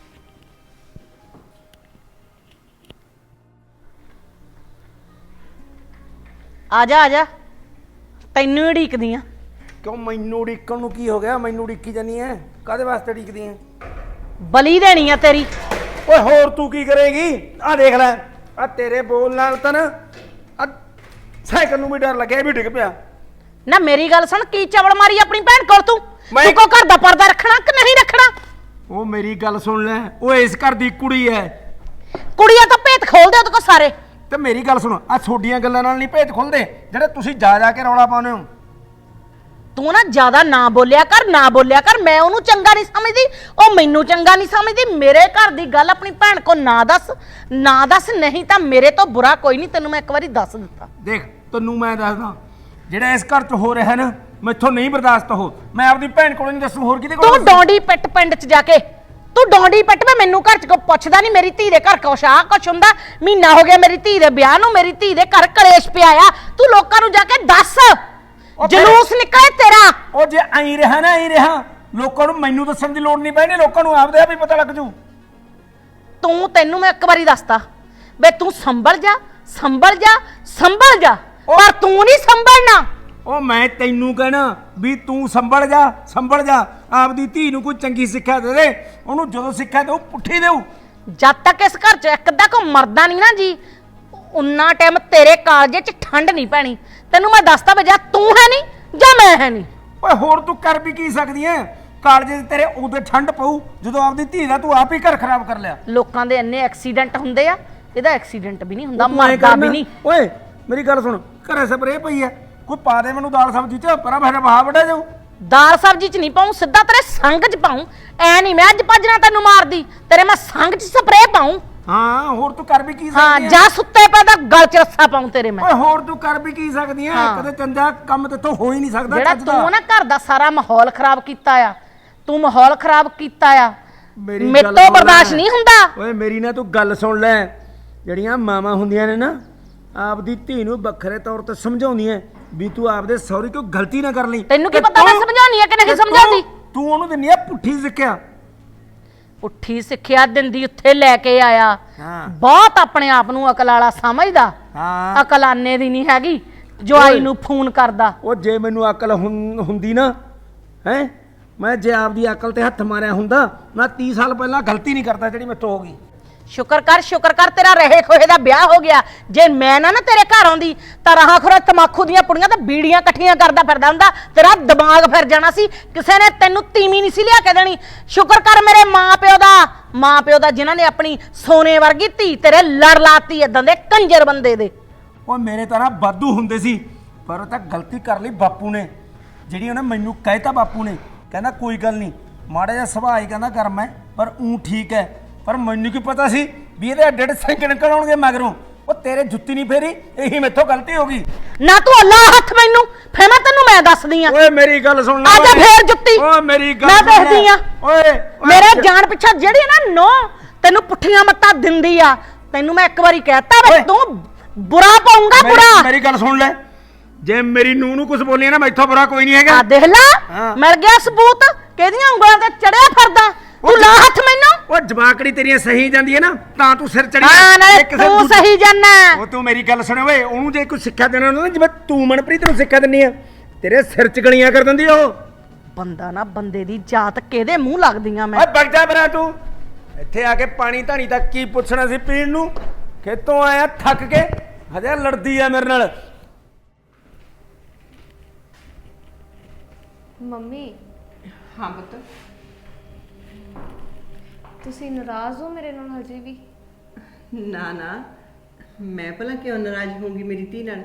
A: ਆ ਜਾ ਤੈਨੂੰ ਹੀ ਢੀਕਦੀ ਆ।
I: ਕਿਉਂ ਮੈਨੂੰ ਉਡੀਕਣ ਨੂੰ ਕੀ ਹੋ ਗਿਆ? ਮੈਨੂੰ ਉਡੀਕੀ ਜਾਨੀ ਐ, ਕਾਹਦੇ ਵਾਸਤੇ ਉਡੀਕਦੀ ਐ?
A: ਬਲੀ ਦੇਣੀ ਆ ਤੇਰੀ।
I: ਓਏ ਹੋਰ ਤੂੰ ਕੀ ਕਰੇਗੀ? ਆ ਦੇਖ ਲੈ, ਆ ਤੇਰੇ ਬੋਲ ਨਾਲ ਤਾਂ ਨਾ ਆ ਸਾਈਕਲ ਨੂੰ ਵੀ ਡਰ ਲੱਗਿਆ, ਇਹ ਵੀ ਡਿੱਗ ਪਿਆ।
A: ਨਾ ਮੇਰੀ ਗੱਲ ਸੁਣ, ਕੀ ਚਵਲ ਮਾਰੀ ਆਪਣੀ ਭੈਣ ਕੋਲ ਤੂੰ?
I: ਮੈਂ-
A: ਤੂੰ ਕੋ ਘਰ ਦਾ ਪਰਦਾ ਰੱਖਣਾ ਕਿ ਨਹੀਂ ਰੱਖਣਾ?
I: ਉਹ ਮੇਰੀ ਗੱਲ ਸੁਣ ਲੈ, ਉਹ ਇਸ ਘਰ ਦੀ ਕੁੜੀ ਐ।
A: ਕੁੜੀਆਂ ਤਾਂ ਭੇਤ ਖੋਲਦੇ ਉਹਦੇ ਕੋ ਸਾਰੇ।
I: ਤੇ ਮੇਰੀ ਗੱਲ ਸੁਣ, ਆ ਛੋਡੀਆਂ ਗੱਲਾਂ ਨਾਲ ਨਹੀਂ ਭੇਤ ਖੁੱਲਦੇ ਜਿਹੜੇ ਤੁਸੀਂ ਜਾ ਕੇ ਰੌਲਾ ਪਾਉਂਦੇ ਹੋ।
A: ਤੂੰ ਨਾ ਜ਼ਿਆਦਾ ਨਾ ਬੋਲਿਆ ਕਰ। ਮੈਂ ਉਹਨੂੰ ਚੰਗਾ ਨਹੀਂ ਸਮਝਦੀ, ਉਹ ਮੈਨੂੰ ਚੰਗਾ ਨਹੀਂ ਸਮਝਦੀ। ਮੇਰੇ ਘਰ ਦੀ ਗੱਲ ਆਪਣੀ ਭੈਣ ਕੋ ਨਾ ਦੱਸ, ਨਹੀਂ ਤਾਂ ਮੇਰੇ ਤੋਂ ਬੁਰਾ ਕੋਈ ਨਹੀਂ। ਤੈਨੂੰ ਮੈਂ ਇੱਕ ਵਾਰੀ ਦੱਸ ਦਿੱਤਾ।
I: ਦੇਖ ਤੈਨੂੰ ਮੈਂ ਦੱਸਦਾ, ਜਿਹੜਾ ਇਸ ਘਰ 'ਚ ਹੋ ਰਿਹਾ ਨਾ, ਮੈਥੋਂ ਨਹੀਂ ਬਰਦਾਸ਼ਤ ਹੋ। ਮੈਂ ਆਪਦੀ ਭੈਣ ਕੋਲ ਨਹੀਂ ਦੱਸੂ, ਹੋਰ ਕਿਹਦੇ ਕੋਲ
A: ਤੂੰ ਡੌਂਡੀ ਪਿੱਟ ਪਿੰਡ 'ਚ ਜਾ ਕੇ ਤੂੰ ਡੋਂਡੀ ਪੱਟ ਮੈਂ ਮੈਨੂੰ ਘਰ ਚ ਕੋ ਪੁੱਛਦਾ ਨਹੀਂ ਮੇਰੀ ਧੀ ਦੇ ਘਰ ਕੁਛ ਆ ਕੁਛ ਹੁੰਦਾ। ਮਹੀਨਾ ਹੋ ਗਿਆ ਮੇਰੀ ਧੀ ਦੇ ਵਿਆਹ ਨੂੰ, ਮੇਰੀ ਧੀ ਦੇ ਘਰ ਕਲੇਸ਼ ਪਿਆ ਆ। ਤੂੰ ਲੋਕਾਂ ਨੂੰ ਜਾ ਕੇ ਦੱਸ, ਜਲੂਸ ਨਿਕਲੇ ਤੇਰਾ।
I: ਉਹ ਜੇ ਐਂ ਰਿਹਾ ਨਾ ਐਂ ਰਿਹਾ, ਲੋਕਾਂ ਨੂੰ ਮੈਨੂੰ ਦੱਸਣ ਦੀ ਲੋੜ ਨਹੀਂ ਪੈਣੀ, ਲੋਕਾਂ ਨੂੰ ਆਪਦੇ ਆਪ ਹੀ ਪਤਾ ਲੱਗ ਜੂ।
A: ਤੈਨੂੰ ਮੈਂ ਇੱਕ ਵਾਰੀ ਦੱਸਤਾ ਬੇ ਤੂੰ ਸੰਭਲ ਜਾ ਸੰਭਲ ਜਾ ਸੰਭਲ ਜਾ, ਪਰ ਤੂੰ ਨਹੀਂ ਸੰਭਲਣਾ।
I: ਉਹ ਮੈਂ ਤੈਨੂੰ ਕਹਿਣਾ ਵੀ ਤੂੰ ਸੰਭਲ ਜਾ, ਆਪਦੀ ਧੀ ਨੂੰ ਕੋਈ ਚੰਗੀ ਸਿੱਖਿਆ ਦੇ ਦੇ। ਉਹਨੂੰ ਜਦੋਂ ਸਿੱਖਿਆ ਦੇਊ ਪੁੱਠੀ ਦੇਊ।
A: ਜਦ ਤੱਕ ਇਸ ਘਰ ਚ ਇੱਕ ਅੱਧਾ ਕੋ ਮਰਦਾ ਨਹੀਂ ਨਾ ਜੀ, ਉਨਾ ਟਾਈਮ ਤੇਰੇ ਕਾਲਜੇ ਚ ਠੰਡ ਨਹੀਂ ਪੈਣੀ। ਤੈਨੂੰ ਮੈਂ ਦੱਸਤਾ ਵੀ ਜਾਂ ਤੂੰ ਹੈ ਨਹੀਂ ਜਾਂ ਮੈਂ ਹੈ ਨਹੀਂ।
I: ਓਏ ਹੋਰ ਤੂੰ ਕਰ ਵੀ ਕੀ ਸਕਦੀ ਐ? ਕਾਲਜੇ ਤੇਰੇ ਉਦੋਂ ਠੰਡ ਪਊ ਜਦੋਂ ਆਪਦੀ ਧੀ ਦਾ ਤੂੰ ਆਪ ਹੀ ਘਰ ਖਰਾਬ ਕਰ ਲਿਆ।
A: ਲੋਕਾਂ ਦੇ ਇੰਨੇ ਐਕਸੀਡੈਂਟ ਹੁੰਦੇ ਆ, ਇਹਦਾ ਐਕਸੀਡੈਂਟ ਵੀ ਨਹੀਂ ਹੁੰਦਾ,
I: ਉਹ ਤੂੰ ਐਂ
A: ਮਰਦਾ
I: ਕਰਨਾ,
A: ਵੀ ਨਹੀਂ।
I: ਓਏ ਮੇਰੀ ਗੱਲ ਸੁਣ, ਘਰੇ ਸਪਰੇ ਪਈ ਐ, ਕੋਈ ਪਾ ਦੇ ਮੈਨੂੰ ਦਾਲ ਸਬਜ਼ੀ ਚ, ਪਰਾਂ ਫਿਰ ਬਹਾ ਵੱਡਾ ਜਾਊ।
A: ਦਾਲ ਸਬਜ਼ੀ ਚ ਨਹੀਂ ਪਾਉਂ, ਸਿੱਧਾ ਤੇਰੇ ਸੰਗ ਚ ਪਾਉਂ। ਐ ਨਹੀਂ ਮੈਂ ਅੱਜ ਭੱਜਣਾ ਤੈਨੂੰ ਮਾਰਦੀ, ਤੇਰੇ ਮੈਂ ਸੰਗ ਚ ਸਪਰੇਅ ਪਾਉਂ।
I: ਹਾਂ ਹੋਰ ਤੂੰ ਕਰ ਵੀ ਕੀ
A: ਹਾਂ
I: ਸਕਦੀ ਐ?
A: ਜਾ ਸੁੱਤੇ ਪੈ ਦਾ ਗਲ ਚ ਰੱਸਾ ਪਾਉਂ ਤੇਰੇ ਮੈਂ।
I: ਓਏ ਹੋਰ ਤੂੰ ਕਰ ਵੀ ਕੀ ਸਕਦੀ ਐ?
A: ਹਾਂ।
I: ਕਦੇ ਚੰਗਾ ਕੰਮ ਤੇਥੋਂ ਹੋ ਹੀ ਨਹੀਂ ਸਕਦਾ।
A: ਜਿਹੜਾ
I: ਚੱਜ ਦਾ।
A: ਤੂੰ ਨਾ ਘਰ ਦਾ ਸਾਰਾ ਮਾਹੌਲ ਖਰਾਬ ਕੀਤਾ ਆ, ਤੂੰ ਮਾਹੌਲ ਖਰਾਬ ਕੀਤਾ ਆ,
I: ਮੇਰੀ
A: ਮੇਰੇ
I: ਗੱਲ
A: ਤੋਂ
I: ਸੁਣ ਲੈ।
A: ਬਰਦਾਸ਼ਤ ਨਹੀਂ ਹੁੰਦਾ।
I: ਓਏ ਮੇਰੀ ਨਾ ਤੂੰ ਗੱਲ ਸੁਣ ਲੈ, ਜਿਹੜੀਆਂ ਮਾਵਾਂ ਹੁੰਦੀਆਂ ਨੇ ਨਾ ਆਪਦੀ ਧੀ ਨੂੰ ਵੱਖਰੇ ਤੌਰ ਤੇ ਸਮਝਾਉਂਦੀਆਂ ਵੀ ਤੂੰ ਆਪਦੇ ਸਹੁਰੇ ਕੋਈ ਗਲਤੀ ਨਾ ਕਰ ਲਈ।
A: ਤੈਨੂੰ ਕੀ
I: ਤੇ
A: ਪਤਾ ਮੈਂ
I: ਤੂੰ-
A: ਸਮਝਾਉਣੀ ਆ ਕਿ ਨਹੀਂ
I: ਤੇ
A: ਸਮਝਾਉਂਦੀ?
I: ਤੂੰ ਉਹਨੂੰ ਦਿੰਦੀ ਆ ਪੁੱਠੀ ਸਿੱਖਿਆ।
A: ਪੁੱਠੀ ਸਿੱਖਿਆ ਦਿੰਦੀ ਉੱਥੇ ਲੈ ਕੇ ਆਇਆ।
I: ਹਾਂ।
A: ਬਹੁਤ ਆਪਣੇ ਆਪ ਨੂੰ ਅਕਲ ਵਾਲਾ ਸਮਝਦਾ।
I: ਹਾਂ
A: ਅਕਲ ਆਨੇ ਦੀ ਨਹੀਂ ਹੈਗੀ, ਜਵਾਈ ਨੂੰ ਫੋਨ ਕਰਦਾ।
I: ਉਹ ਜੇ ਮੈਨੂੰ ਅਕਲ ਹੁੰਦੀ ਨਾ ਹੈ, ਮੈਂ ਜੇ ਆਪਦੀ ਅਕਲ ਤੇ ਹੱਥ ਮਾਰਿਆ ਹੁੰਦਾ, ਮੈਂ 30 ਸਾਲ ਪਹਿਲਾਂ ਗਲਤੀ ਨਹੀਂ ਕਰਦਾ ਜਿਹੜੀ ਮੈਥੋਂ ਹੋ ਗਈ।
A: ਸ਼ੁਕਰ ਕਰ ਤੇਰਾ ਰਹੇ ਖੋਏ ਦਾ ਵਿਆਹ ਹੋ ਗਿਆ। ਜੇ ਮੈਂ ਨਾ ਤੇਰੇ ਘਰ ਆਉਂਦੀ ਤਾਂ ਰਾਹਾਂ ਖੁਰਾ ਤਮਾਕੂ ਦੀਆਂ ਪੁੜੀਆਂ ਤੇ ਬੀੜੀਆਂ ਇਕੱਠੀਆਂ ਕਰਦਾ ਫਿਰਦਾ ਹੁੰਦਾ, ਤੇਰਾ ਦਿਮਾਗ ਫਿਰ ਜਾਣਾ ਸੀ। ਕਿਸੇ ਨੇ ਤੈਨੂੰ ਤੀਵੀਂ ਨਹੀਂ ਸੀ ਲਿਆ ਕੇ ਦੇਣੀ। ਸ਼ੁਕਰ ਕਰ ਮੇਰੇ ਮਾਂ ਪਿਓ ਦਾ ਜਿਨ੍ਹਾਂ ਨੇ ਆਪਣੀ ਸੋਨੇ ਵਰਗੀ ਧੀ ਤੇਰੇ ਲੜ ਲਾਤੀ ਏਦਾਂ ਦੇ ਕੰਜਰ ਬੰਦੇ ਦੇ।
I: ਉਹ ਮੇਰੇ ਤਰ੍ਹਾਂ ਵਾਧੂ ਹੁੰਦੇ ਸੀ, ਪਰ ਉਹ ਤਾਂ ਗਲਤੀ ਕਰ ਲਈ ਬਾਪੂ ਨੇ, ਜਿਹੜੀ ਉਹਨੇ ਮੈਨੂੰ ਕਹਿਤਾ। ਬਾਪੂ ਨੇ ਕਹਿੰਦਾ ਕੋਈ ਗੱਲ ਨਹੀਂ, ਮਾੜਾ ਜਿਹਾ ਸੁਭਾਅ ਹੀ ਕਹਿੰਦਾ ਗਰਮ ਹੈ, ਪਰ ਠੀਕ ਹੈ। ਪਰ ਮੈਨੂੰ ਕੀ ਪਤਾ ਸੀ ਵੀ ਇਹਦੇ ਅੱਡੇ ਅੱਡੇ ਸਿੰਘ ਨਿਕਲ ਆਉਣਗੇ ਮਗਰੋਂ। ਉਹ ਤੇਰੇ ਜੁੱਤੀ ਨਹੀਂ ਫੇਰੀ, ਇਹੀ ਮੈਥੋਂ ਗਲਤੀ ਹੋ ਗਈ।
A: ਨਾ ਤੂੰ ਅੱਲਾ ਹੱਥ ਮੈਨੂੰ ਫੇ ਮੈਂ ਦੱਸਦੀ ਆ।
I: ਓਏ ਮੇਰੀ ਗੱਲ ਸੁਣ ਲੈ।
A: ਆ ਜਾ ਫੇਰ ਜੁੱਤੀ।
I: ਓਏ ਮੇਰੀ ਗੱਲ
A: ਮੈਂ
I: ਸੁਣ ਲੈ।
A: ਦੇਖਦੀ ਆ।
I: ਓਏ
A: ਮੇਰੇ ਜਾਨ ਪਿੱਛਾ ਜਿਹੜੀ ਨਾ ਨੋ ਤੈਨੂੰ ਪੁੱਠੀਆਂ ਮੱਤਾਂ ਦਿੰਦੀ ਆ, ਤੈਨੂੰ ਮੈਂ ਇੱਕ ਵਾਰੀ ਕਹਿਤਾ ਵੇ ਤੂੰ ਬੁਰਾ ਪਾਉਂਗਾ ਬੁਰਾ।
I: ਮੇਰੀ ਗੱਲ ਸੁਣ ਲੈ, ਜੇ ਮੇਰੀ ਨੂੰਹ ਨੂੰ ਕੁਝ ਬੋਲੀ ਨਾ ਮੈਥੋਂ ਬੁਰਾ ਕੋਈ ਨਹੀਂ ਹੈਗਾ।
A: ਆ ਦੇਖ ਲੈ,
I: ਹਾਂ।
A: ਮਿਲ ਗਿਆ ਸਬੂਤ, ਕਿਹਦੀਆਂ ਉਂਗਲਾਂ ਤੇ ਚੜਿਆ ਫਿਰਦਾ। ਤੂੰ ਲਾ ਹੱਥ ਮੈਨੂੰ।
I: ਉਹ ਜਵਾਕੜੀ ਤੇਰੀਆਂ ਸਹੀ ਜਾਂਦੀ ਹੈ ਨਾ, ਤਾਂ ਤੂੰ ਸਿਰ ਚੜੀ।
A: ਹਾਂ ਨਾਲੇ ਤੂੰ ਸਹੀ ਜਾਨਾ।
I: ਉਹ ਤੂੰ ਮੇਰੀ ਗੱਲ ਸੁਣ ਓਏ, ਉਹਨੂੰ ਜੇ ਕੋਈ ਸਿੱਖਿਆ ਦੇਣਾ ਹੁੰਦਾ ਨਾ, ਜਿਵੇਂ ਤੂੰ ਮਨਪ੍ਰੀਤ ਨੂੰ ਸਿੱਖਿਆ ਦਿੰਨੀ ਆ, ਤੇਰੇ ਸਿਰ ਚ ਗਲੀਆਂ ਕਰ ਦਿੰਦੀ ਉਹ।
A: ਬੰਦਾ ਨਾ ਬੰਦੇ ਦੀ ਜਾਤ ਕਿਹਦੇ ਮੂੰਹ ਲੱਗਦੀਆਂ ਮੈਂ।
I: ਓਏ ਵਗ ਜਾ ਬਰਾ ਤੂੰ, ਇੱਥੇ ਆ ਕੇ ਪਾਣੀ ਧਾਣੀ ਦਾ ਕੀ ਪੁੱਛਣਾ ਸੀ ਪੀਣ ਨੂੰ? ਖੇਤੋਂ ਆਇਆ ਥੱਕ ਕੇ, ਹਜੇ ਲੜਦੀ ਆ ਮੇਰੇ ਨਾਲ।
H: ਮੰਮੀ।
C: ਹਾਂ ਪੁੱਤ।
H: ਤੁਸੀਂ ਨਾਰਾਜ਼ ਹੋ ਮੇਰੇ ਨਾਲ ਹਜੇ ਵੀ?
C: ਨਾ ਨਾ, ਮੈਂ ਭਲਾ ਕਿਉਂ ਨਾਰਾਜ਼ ਹੋਊਂਗੀ ਮੇਰੀ ਧੀ ਨਾਲ?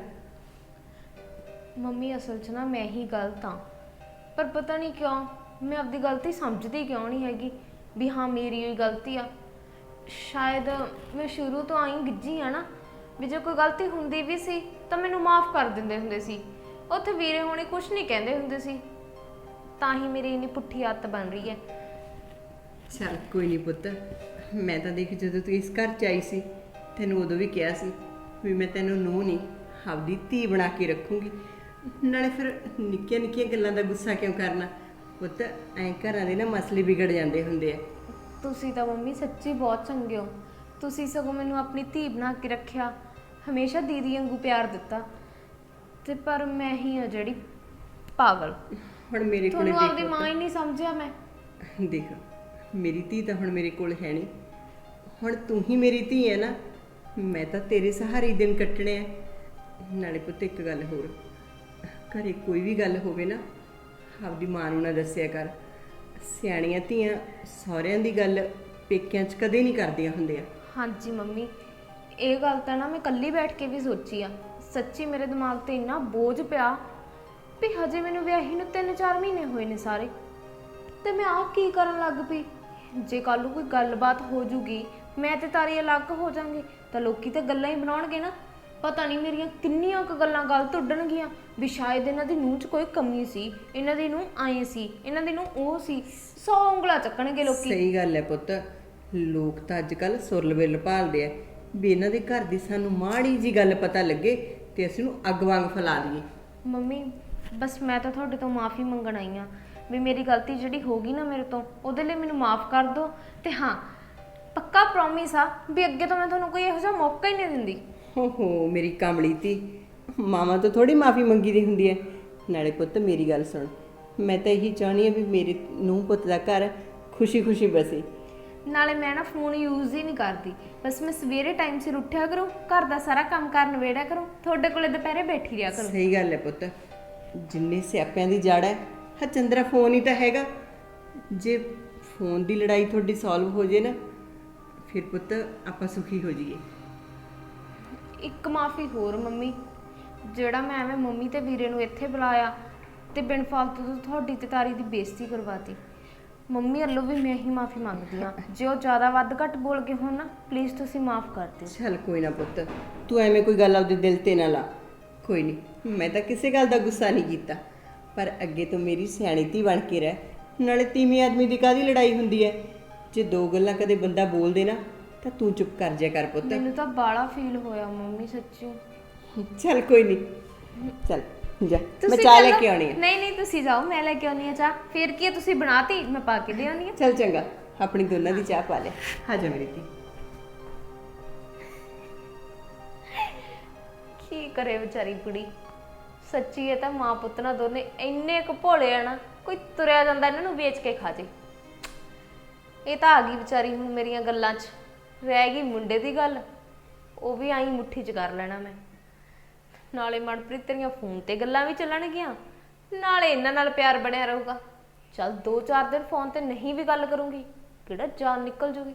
H: ਮੰਮੀ ਅਸਲ 'ਚ ਨਾ ਮੈਂ ਹੀ ਗਲਤ ਹਾਂ, ਪਰ ਪਤਾ ਨਹੀਂ ਕਿਉਂ ਮੈਂ ਆਪਦੀ ਗਲਤੀ ਸਮਝਦੀ ਕਿਉਂ ਨਹੀਂ ਹੈਗੀ ਵੀ ਹਾਂ ਮੇਰੀ ਹੀ ਗਲਤੀ ਆ। ਸ਼ਾਇਦ ਮੈਂ ਸ਼ੁਰੂ ਤੋਂ ਆਈ ਗਿੱਜੀ ਆ ਨਾ, ਵੀ ਜੇ ਕੋਈ ਗਲਤੀ ਹੁੰਦੀ ਵੀ ਸੀ ਤਾਂ ਮੈਨੂੰ ਮਾਫ ਕਰ ਦਿੰਦੇ ਹੁੰਦੇ ਸੀ। ਉੱਥੇ ਵੀਰੇ ਹੋਣੀ ਕੁਝ ਨਹੀਂ ਕਹਿੰਦੇ ਹੁੰਦੇ ਸੀ, ਤਾਂ ਹੀ ਮੇਰੀ ਇੰਨੀ ਪੁੱਠੀ ਆਦਤ ਬਣ ਰਹੀ ਹੈ।
C: ਚੱਲ ਕੋਈ ਨਹੀਂ ਪੁੱਤ, ਮੈਂ ਤਾਂ ਦੇਖ ਜਦੋਂ ਤੂੰ ਇਸ ਘਰ 'ਚ ਆਈ ਸੀ ਤੈਨੂੰ ਉਦੋਂ ਵੀ ਕਿਹਾ ਸੀ ਵੀ ਮੈਂ ਤੈਨੂੰ ਨੂੰਹ ਨਹੀਂ ਆਪਦੀ ਧੀ ਬਣਾ ਕੇ ਰੱਖੂੰਗੀ। ਨਾਲੇ ਫਿਰ ਨਿੱਕੀਆਂ ਨਿੱਕੀਆਂ ਗੱਲਾਂ ਦਾ ਗੁੱਸਾ ਕਿਉਂ ਕਰਨਾ ਪੁੱਤ? ਐਂ ਘਰਾਂ ਦੇ ਨਾ ਮਸਲੇ ਵਿਗੜ ਜਾਂਦੇ ਹੁੰਦੇ ਆ।
H: ਤੁਸੀਂ ਤਾਂ ਮੰਮੀ ਸੱਚੀ ਬਹੁਤ ਚੰਗੇ ਹੋ। ਤੁਸੀਂ ਸਗੋਂ ਮੈਨੂੰ ਆਪਣੀ ਧੀ ਬਣਾ ਕੇ ਰੱਖਿਆ, ਹਮੇਸ਼ਾ ਦੀਦੀ ਵਾਂਗੂ ਪਿਆਰ ਦਿੱਤਾ, ਤੇ ਪਰ ਮੈਂ ਹੀ ਆ ਜਿਹੜੀ ਪਾਗਲ।
C: ਹੁਣ ਮੇਰੇ ਕੋਲ
H: ਤੁਹਾਨੂੰ ਆਪਦੀ ਮਾਂ ਹੀ ਨਹੀਂ ਸਮਝਿਆ ਮੈਂ।
C: ਦੇਖ ਮੇਰੀ ਧੀ ਤਾਂ ਹੁਣ ਮੇਰੇ ਕੋਲ ਹੈ ਨਹੀਂ, ਹੁਣ ਤੂੰ ਹੀ ਮੇਰੀ ਧੀ ਹੈ ਨਾ, ਮੈਂ ਤਾਂ ਤੇਰੇ ਸਹਾਰੇ ਹੀ ਦਿਨ ਕੱਟਣੇ ਆ। ਨਾਲੇ ਪੁੱਤ ਇੱਕ ਗੱਲ ਹੋਰ, ਘਰੇ ਕੋਈ ਵੀ ਗੱਲ ਹੋਵੇ ਨਾ ਆਪਦੀ ਮਾਂ ਨੂੰ ਨਾ ਦੱਸਿਆ ਕਰ। ਸਿਆਣੀਆਂ ਧੀਆਂ ਸਹੁਰਿਆਂ ਦੀ ਗੱਲ ਪੇਕਿਆਂ 'ਚ ਕਦੇ ਨਹੀਂ ਕਰਦੀਆਂ ਹੁੰਦੀਆਂ।
H: ਹਾਂਜੀ ਮੰਮੀ, ਇਹ ਗੱਲ ਤਾਂ ਨਾ ਮੈਂ ਇਕੱਲੀ ਬੈਠ ਕੇ ਵੀ ਸੋਚੀ ਆ। ਸੱਚੀ ਮੇਰੇ ਦਿਮਾਗ ਤੇ ਇੰਨਾ ਬੋਝ ਪਿਆ ਵੀ ਹਜੇ ਮੈਨੂੰ ਵਿਆਹੀ ਨੂੰ 3-4 ਮਹੀਨੇ ਹੋਏ ਨੇ ਸਾਰੇ, ਤੇ ਮੈਂ ਆਹ ਕੀ ਕਰਨ ਲੱਗ ਪਈ। ਜੇ ਕੱਲ ਨੂੰ ਕੋਈ ਗੱਲਬਾਤ ਹੋ ਜੂਗੀ, ਮੈਂ ਤੇ ਤਾਰੀ ਅਲੱਗ ਹੋ ਜਾਾਂਗੇ ਤਾਂ ਲੋਕੀ ਤੇ ਗੱਲਾਂ ਹੀ ਬਣਾਉਣਗੇ ਨਾ। ਪਤਾ ਨਹੀਂ ਮੇਰੀਆਂ ਕਿੰਨੀਆਂ ਕੁ ਗੱਲਾਂ ਗਲਤ ਉੱਡਣਗੀਆਂ ਵੀ ਸ਼ਾਇਦ ਇਹਨਾਂ ਦੀ ਨੂੰਹ 'ਚ ਕੋਈ ਕਮੀ ਸੀ, ਇਹਨਾਂ ਦੀ ਨੂੰਹ ਆਏ ਸੀ, ਇਹਨਾਂ ਦੀ ਨੂੰਹ ਉਹ ਸੀ। 100 ਉਂਗਲਾਂ ਚੱਕਣਗੇ ਲੋਕੀ।
C: ਸਹੀ ਗੱਲ ਹੈ ਪੁੱਤ, ਲੋਕ ਤਾਂ ਅੱਜ ਕੱਲ ਸੁਰਲਵੇਲ ਭਾਲਦੇ ਆ ਵੀ ਇਹਨਾਂ ਦੇ ਘਰ ਦੀ ਸਾਨੂੰ ਮਾੜੀ ਜੀ ਗੱਲ ਪਤਾ ਲੱਗੇ ਤੇ ਅਸੀਂ ਨੂੰ ਅੱਗ ਵਾਂਗ ਫੈਲਾ ਦਈਏ।
H: ਮੰਮੀ ਬਸ ਮੈਂ ਤਾਂ ਤੁਹਾਡੇ ਤੋਂ ਮਾਫੀ ਮੰਗਣ ਆਈ ਆ ਵੀ ਮੇਰੀ ਗਲਤੀ ਜਿਹੜੀ ਹੋ ਗਈ ਨਾ ਮੇਰੇ ਤੋਂ, ਉਹਦੇ ਲਈ ਮੈਨੂੰ ਮਾਫ ਕਰ ਦਿਓ। ਤੇ ਹਾਂ, ਪੱਕਾ ਪ੍ਰੋਮਿਸ ਆ ਵੀ ਅੱਗੇ ਤੋਂ ਮੈਂ ਤੁਹਾਨੂੰ ਕੋਈ ਇਹੋ ਜਿਹਾ ਮੌਕਾ ਹੀ ਨਹੀਂ ਦਿੰਦੀ।
C: ਹੋ ਮੇਰੀ ਕਾਮਲੀ ਤੀ, ਮਾਵਾਂ ਤੋਂ ਥੋੜੀ ਮਾਫੀ ਮੰਗੀ ਦੀ ਹੁੰਦੀ ਹੈ। ਨਾਲੇ ਪੁੱਤ ਮੇਰੀ ਗੱਲ ਸੁਣ, ਮੈਂ ਤਾਂ ਇਹੀ ਚਾਹਣੀ ਆ ਵੀ ਮੇਰੇ ਨੂੰਹ ਪੁੱਤ ਦਾ ਘਰ ਖੁਸ਼ੀ-ਖੁਸ਼ੀ ਬਸੇ।
H: ਨਾਲੇ ਮੈਂ ਨਾ ਫੋਨ ਯੂਜ਼ ਹੀ ਨਹੀਂ ਕਰਦੀ, ਬਸ ਮੈਂ ਸਵੇਰੇ ਟਾਈਮ ਸਿਰ ਉੱਠਿਆ ਕਰੂੰ, ਘਰ ਦਾ ਸਾਰਾ ਕੰਮ ਕਰ ਨਵੇੜਿਆ ਕਰੂੰ, ਤੁਹਾਡੇ ਕੋਲੇ ਦੁਪਹਿਰੇ ਬੈਠੀ ਰਿਹਾ ਕਰੂੰ।
C: ਸਹੀ ਗੱਲ ਹੈ ਪੁੱਤ, ਜਿੰਨੇ ਸਿਆਪਿਆਂ ਦੀ ਜੜ ਹੈ ਹਾਂ ਚੰਦਰਾ ਫੋਨ ਹੀ ਤਾਂ ਹੈਗਾ। ਜੇ ਫੋਨ ਦੀ ਲੜਾਈ ਤੁਹਾਡੀ ਸੋਲਵ ਹੋ ਜੇ ਨਾ, ਫਿਰ ਪੁੱਤ ਆਪਾਂ ਸੁਖੀ ਹੋ ਜਾਈਏ।
H: ਇੱਕ ਮਾਫੀ ਹੋਰ ਮੰਮੀ, ਜਿਹੜਾ ਮੈਂ ਐਵੇਂ ਮੰਮੀ ਤੇ ਵੀਰੇ ਨੂੰ ਇੱਥੇ ਬੁਲਾਇਆ ਤੇ ਬਿਨ ਫਾਲਤੂ ਤੋਂ ਤੁਹਾਡੀ ਤੇ ਤਾਰੀ ਦੀ ਬੇਇੱਜ਼ਤੀ ਕਰਵਾਤੀ। ਮੰਮੀ ਵੱਲੋਂ ਵੀ ਮੈਂ ਹੀ ਮਾਫੀ ਮੰਗਦੀ ਹਾਂ। ਜੇ ਉਹ ਜ਼ਿਆਦਾ ਵੱਧ ਘੱਟ ਬੋਲ ਕੇ ਹੋਣ ਨਾ, ਪਲੀਜ਼ ਤੁਸੀਂ ਮਾਫ ਕਰ ਦਿਓ।
C: ਚੱਲ ਕੋਈ ਨਾ ਪੁੱਤ, ਤੂੰ ਐਵੇਂ ਕੋਈ ਗੱਲ ਆਪਦੇ ਦਿਲ ਤੇ ਨਾ ਲਾ। ਕੋਈ ਨਹੀਂ, ਮੈਂ ਤਾਂ ਕਿਸੇ ਗੱਲ ਦਾ ਗੁੱਸਾ ਨਹੀਂ ਕੀਤਾ, ਪਰ ਅੱਗੇ ਤੋਂ ਮੇਰੀ ਸਿਆਣੀ ਧੀ ਬਣ ਕੇ ਰਹਿ। ਨਾਲੇ ਤੀਵੀਂ ਆਦਮੀ ਦੀ ਕਾਹਦੀ ਲੜਾਈ ਹੁੰਦੀ ਹੈ? ਜੇ ਦੋ ਗੱਲਾਂ ਕਦੇ ਬੰਦਾ ਬੋਲ ਦੇ ਨਾ ਤਾਂ ਤੂੰ ਚੁੱਪ ਕਰ ਜਾ ਕਰ ਪੁੱਤ।
H: ਮੈਨੂੰ ਤਾਂ ਬਾਲਾ ਫੀਲ ਹੋਇਆ ਮੰਮੀ, ਸੱਚੀ।
C: ਚੱਲ ਕੋਈ ਨਹੀਂ, ਚੱਲ ਜਾ, ਮੈਂ ਚਾਹ ਲੈ ਕੇ ਆਉਣੀ ਹੈ।
H: ਨਹੀਂ ਨਹੀਂ, ਤੁਸੀਂ ਜਾਓ, ਮੈਂ ਲੈ ਕੇ ਆਉਣੀ ਆ ਚਾਹ। ਫਿਰ ਕੀ ਹੈ, ਤੁਸੀਂ ਬਣਾਤੀ, ਮੈਂ ਪਾ ਕੇ ਦੇ ਆਉਣੀ ਆ।
C: ਚੱਲ ਚੰਗਾ, ਆਪਣੀ ਦੋਨਾਂ ਦੀ ਚਾਹ ਪਾ ਲੈ। ਆ ਜਾ ਮੇਰੀ ਧੀ।
H: ਕੀ ਕਰੇ ਵਿਚਾਰੀ ਕੁੜੀ, ਸੱਚੀ ਇਹ ਤਾਂ ਮਾਂ ਪੁੱਤ ਨਾ ਦੋਨੇ ਇੰਨੇ ਕੁ ਭੋਲੇ ਆ ਨਾ, ਕੋਈ ਤੁਰਿਆ ਜਾਂਦਾ ਇਹਨਾਂ ਨੂੰ ਵੇਚ ਕੇ ਖਾ ਜੇ। ਇਹ ਤਾਂ ਆ ਗਈ ਵਿਚਾਰੀ ਹੁਣ ਮੇਰੀਆਂ ਗੱਲਾਂ 'ਚ। ਰਹਿ ਗਈ ਮੁੰਡੇ ਦੀ ਗੱਲ, ਉਹ ਵੀ ਆਈ ਮੁੱਠੀ 'ਚ ਕਰ ਲੈਣਾ ਮੈਂ। ਨਾਲੇ ਮਨਪ੍ਰੀਤ ਤੇਰੀਆਂ ਫੋਨ ਤੇ ਗੱਲਾਂ ਵੀ ਚੱਲਣਗੀਆਂ, ਨਾਲੇ ਇਹਨਾਂ ਨਾਲ ਪਿਆਰ ਬਣਿਆ ਰਹੂਗਾ। ਚੱਲ 2-4 ਦਿਨ ਫੋਨ ਤੇ ਨਹੀਂ ਵੀ ਗੱਲ ਕਰੂੰਗੀ, ਕਿਹੜਾ ਜਾਨ ਨਿਕਲ ਜੂਗੀ।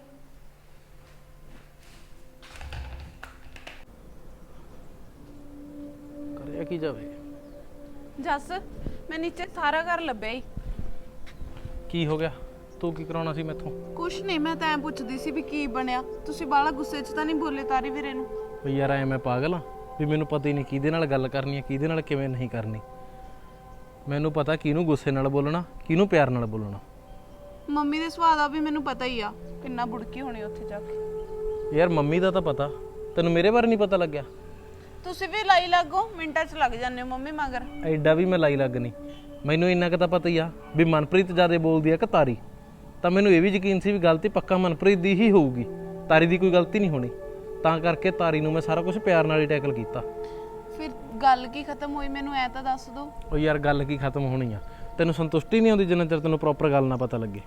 D: ਕਰਿਆ ਕੀ ਜਾਵੇ?
E: ਜੱਸ, ਮੈਂ ਨੀਚੇ ਸਾਰਾ ਘਰ ਲੱਭਿਆ ਹੀ।
D: ਕੀ ਹੋ ਗਿਆ? ਤੂੰ ਕੀ ਕਰਾਉਣਾ ਸੀ ਮੈਥੋਂ?
E: ਕੁਛ ਨਹੀਂ, ਮੈਂ ਤਾਂ ਐਂ ਪੁੱਛਦੀ ਸੀ ਵੀ ਕੀ ਬਣਿਆ। ਤੁਸੀਂ ਬਾਲਾ ਗੁੱਸੇ 'ਚ ਤਾਂ ਨਹੀਂ ਬੋਲੇ ਤਾਰੀ ਵੀਰੇ ਨੂੰ?
D: ਵੀ ਯਾਰ ਐ ਮੈਂ ਪਾਗਲ ਆ ਵੀ ਮੈਨੂੰ ਪਤਾ ਹੀ ਨਹੀਂ ਕਿਹਦੇ ਨਾਲ ਗੱਲ ਕਰਨੀ ਹੈ, ਕਿਹਦੇ ਨਾਲ ਕਿਵੇਂ ਨਹੀਂ ਕਰਨੀ। ਮੈਨੂੰ ਪਤਾ ਕਿਹਨੂੰ ਗੁੱਸੇ ਨਾਲ ਬੋਲਣਾ, ਕਿਹਨੂੰ ਪਿਆਰ ਨਾਲ ਬੋਲਣਾ।
E: ਮੰਮੀ ਦੇ ਸੁਭਾਅ ਦਾ ਵੀ ਮੈਨੂੰ ਪਤਾ ਹੀ ਆ, ਕਿੰਨਾ ਬੁੜਕੀ ਹੋਣੀ ਉੱਥੇ ਜਾ ਕੇ।
D: ਯਾਰ ਮੰਮੀ ਦਾ ਤਾਂ ਪਤਾ, ਤੈਨੂੰ ਮੇਰੇ ਬਾਰੇ ਨਹੀਂ ਪਤਾ ਲੱਗਿਆ?
E: ਤੁਸੀਂ ਵੀ ਲਾਈ ਲੱਗੋ, ਮਿੰਟਾਂ 'ਚ ਲੱਗ ਜਾਂਦੇ ਹੋ ਮੰਮੀ ਮਗਰ।
D: ਐਡਾ ਵੀ ਮੈਂ ਲਾਈ ਲੱਗ ਨਹੀਂ, ਮੈਨੂੰ ਇੰਨਾ ਕੁ ਤਾਂ ਪਤਾ ਹੀ ਆ ਵੀ ਮਨਪ੍ਰੀਤ ਜ਼ਿਆਦਾ ਬੋਲਦੀ ਆ ਕਿ ਤਾਰੀ। ਤਾਂ ਮੈਨੂੰ ਇਹ ਵੀ ਯਕੀਨ ਸੀ ਵੀ ਗਲਤੀ ਪੱਕਾ ਮਨਪ੍ਰੀਤ ਦੀ ਹੀ ਹੋਊਗੀ, ਤਾਰੀ ਦੀ ਕੋਈ ਗਲਤੀ ਨਹੀਂ ਹੋਣੀ। ਤਾਂ ਕਰਕੇ ਤਾਰੀ ਨੂੰ ਮੈਂ ਸਾਰਾ ਕੁਝ ਪਿਆਰ ਨਾਲ ਹੀ ਟੈਕਲ ਕੀਤਾ।
E: ਫਿਰ ਗੱਲ ਕੀ ਖਤਮ ਹੋਈ, ਮੈਨੂੰ ਐ ਤਾਂ ਦੱਸ ਦਿਓ।
D: ਉਹ ਯਾਰ ਗੱਲ ਕੀ ਖਤਮ ਹੋਣੀ ਆ, ਤੈਨੂੰ ਸੰਤੁਸ਼ਟੀ ਨਹੀਂ ਆਉਂਦੀ ਜਿੰਨਾ ਚਿਰ ਤੈਨੂੰ ਪ੍ਰੋਪਰ ਗੱਲ ਨਾ ਪਤਾ ਲੱਗੇ।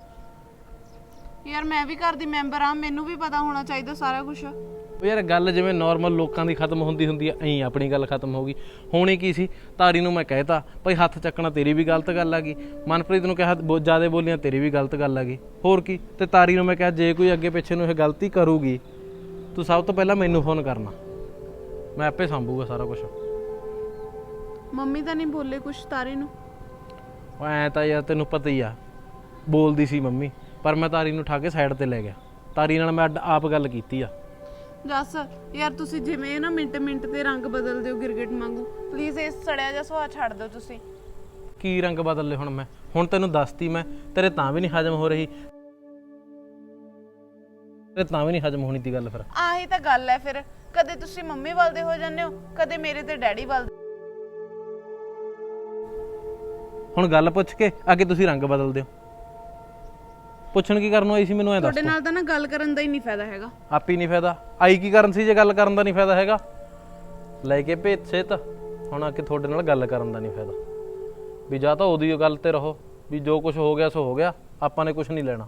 E: ਯਾਰ ਮੈਂ ਵੀ ਘਰ ਦੀ ਮੈਂਬਰ ਆ, ਮੈਨੂੰ ਵੀ ਪਤਾ ਹੋਣਾ ਚਾਹੀਦਾ ਸਾਰਾ ਕੁਝ।
D: ਉਹ ਯਾਰ ਗੱਲ ਜਿਵੇਂ ਨਾਰਮਲ ਲੋਕਾਂ ਦੀ ਖਤਮ ਹੁੰਦੀ ਆ, ਐਂ ਆਪਣੀ ਗੱਲ ਖਤਮ ਹੋ ਗਈ। ਹੋਣੀ ਕੀ ਸੀ, ਤਾਰੀ ਨੂੰ ਮੈਂ ਕਹਿਤਾ ਭਾਈ ਹੱਥ ਚੱਕਣਾ ਤੇਰੀ ਵੀ ਗਲਤ ਗੱਲ ਆ ਗਈ, ਮਨਪ੍ਰੀਤ ਨੂੰ ਕਿਹਾ ਜ਼ਿਆਦਾ ਬੋਲੀਆਂ ਤੇਰੀ ਵੀ ਗਲਤ ਗੱਲ ਆ ਗਈ, ਹੋਰ ਕੀ। ਤੇ ਤਾਰੀ ਨੂੰ ਮੈਂ ਕਿਹਾ ਜੇ ਕੋਈ ਅੱਗੇ ਪਿੱਛੇ ਨੂੰ ਇਹ ਗਲਤੀ ਕਰੂਗੀ, ਤੂੰ ਸਭ ਤੋਂ ਪਹਿਲਾਂ ਮੈਨੂੰ ਫੋਨ ਕਰਨਾ, ਮੈਂ ਆਪੇ ਸੰਭੂਗਾ ਸਾਰਾ ਕੁਝ।
E: ਮੰਮੀ ਤਾਂ ਨਹੀਂ ਬੋਲੇ ਕੁਛ ਤਾਰੀ ਨੂੰ?
D: ਉਹ ਐਂ ਤਾਂ ਯਾਰ ਤੈਨੂੰ ਪਤਾ ਹੀ ਆ, ਬੋਲਦੀ ਸੀ ਮੰਮੀ, ਪਰ ਮੈਂ ਤਾਰੀ ਨੂੰ ਉਠਾ ਕੇ ਸਾਈਡ ਤੇ ਲੈ ਗਿਆ। ਤਾਰੀ ਨਾਲ ਮੈਂ ਆਪ ਗੱਲ ਕੀਤੀ ਆ।
E: ਜੱਸ ਯਾਰ, ਤੁਸੀਂ ਜਿਵੇਂ ਨਾ ਮਿੰਟ ਤੇ ਰੰਗ ਬਦਲਦੇ ਹੋ ਗਿਰਗਿਟ ਵਾਂਗੂ, ਪਲੀਜ਼ ਇਸ ਸੜਿਆ ਜਿਹਾ ਸੁਭਾਅ ਛੱਡ ਦਿਓ ਤੁਸੀਂ।
D: ਕੀ ਰੰਗ ਬਦਲ ਲਏ ਹੁਣ ਮੈਂ? ਹੁਣ ਤੈਨੂੰ ਦੱਸਤੀ ਮੈਂ, ਤੇਰੇ ਤਾਂ ਵੀ ਨਹੀਂ ਹਜਮ ਹੋ ਰਹੀ, ਤੇਰੇ ਤਾਂ ਵੀ ਨਹੀਂ ਹਜਮ ਹੋਣੀ ਦੀ ਗੱਲ। ਫਿਰ
E: ਆਹੀ ਤਾਂ ਗੱਲ ਹੈ, ਫਿਰ ਕਦੇ ਤੁਸੀਂ ਮੰਮੀ ਵੱਲ ਦੇ ਹੋ ਜਾਂਦੇ ਹੋ, ਕਦੇ ਮੇਰੇ ਤੇ ਡੈਡੀ ਵੱਲ।
D: ਹੁਣ ਗੱਲ ਪੁੱਛ ਕੇ ਅੱਗੇ ਤੁਸੀਂ ਰੰਗ ਬਦਲਦੇ ਹੋ। ਪੁੱਛਣ ਕੀ ਕਰਨ ਆਈ ਸੀ ਮੈਨੂੰ? ਐ ਦੱਸ।
E: ਤੁਹਾਡੇ ਨਾਲ ਤਾਂ ਨਾ ਗੱਲ ਕਰਨ ਦਾ ਹੀ ਨਹੀਂ ਫਾਇਦਾ ਹੈਗਾ।
D: ਆਪ ਹੀ ਨਹੀਂ ਫਾਇਦਾ, ਆਈ ਕੀ ਕਰਨ ਸੀ ਜੇ ਗੱਲ ਕਰਨ ਦਾ ਨਹੀਂ ਫਾਇਦਾ ਹੈਗਾ? ਲੈ ਕੇ ਭੇਤ ਸੇਤ ਹੁਣ ਆ ਕੇ ਤੁਹਾਡੇ ਨਾਲ ਗੱਲ ਕਰਨ ਦਾ ਨਹੀਂ ਫਾਇਦਾ। ਵੀ ਜਾਂ ਤਾਂ ਉਹਦੀ ਗੱਲ ਤੇ ਰਹੋ ਵੀ ਜੋ ਕੁਝ ਹੋ ਗਿਆ ਸੋ ਹੋ ਗਿਆ, ਆਪਾਂ ਨੇ ਕੁਝ ਨਹੀਂ ਲੈਣਾ।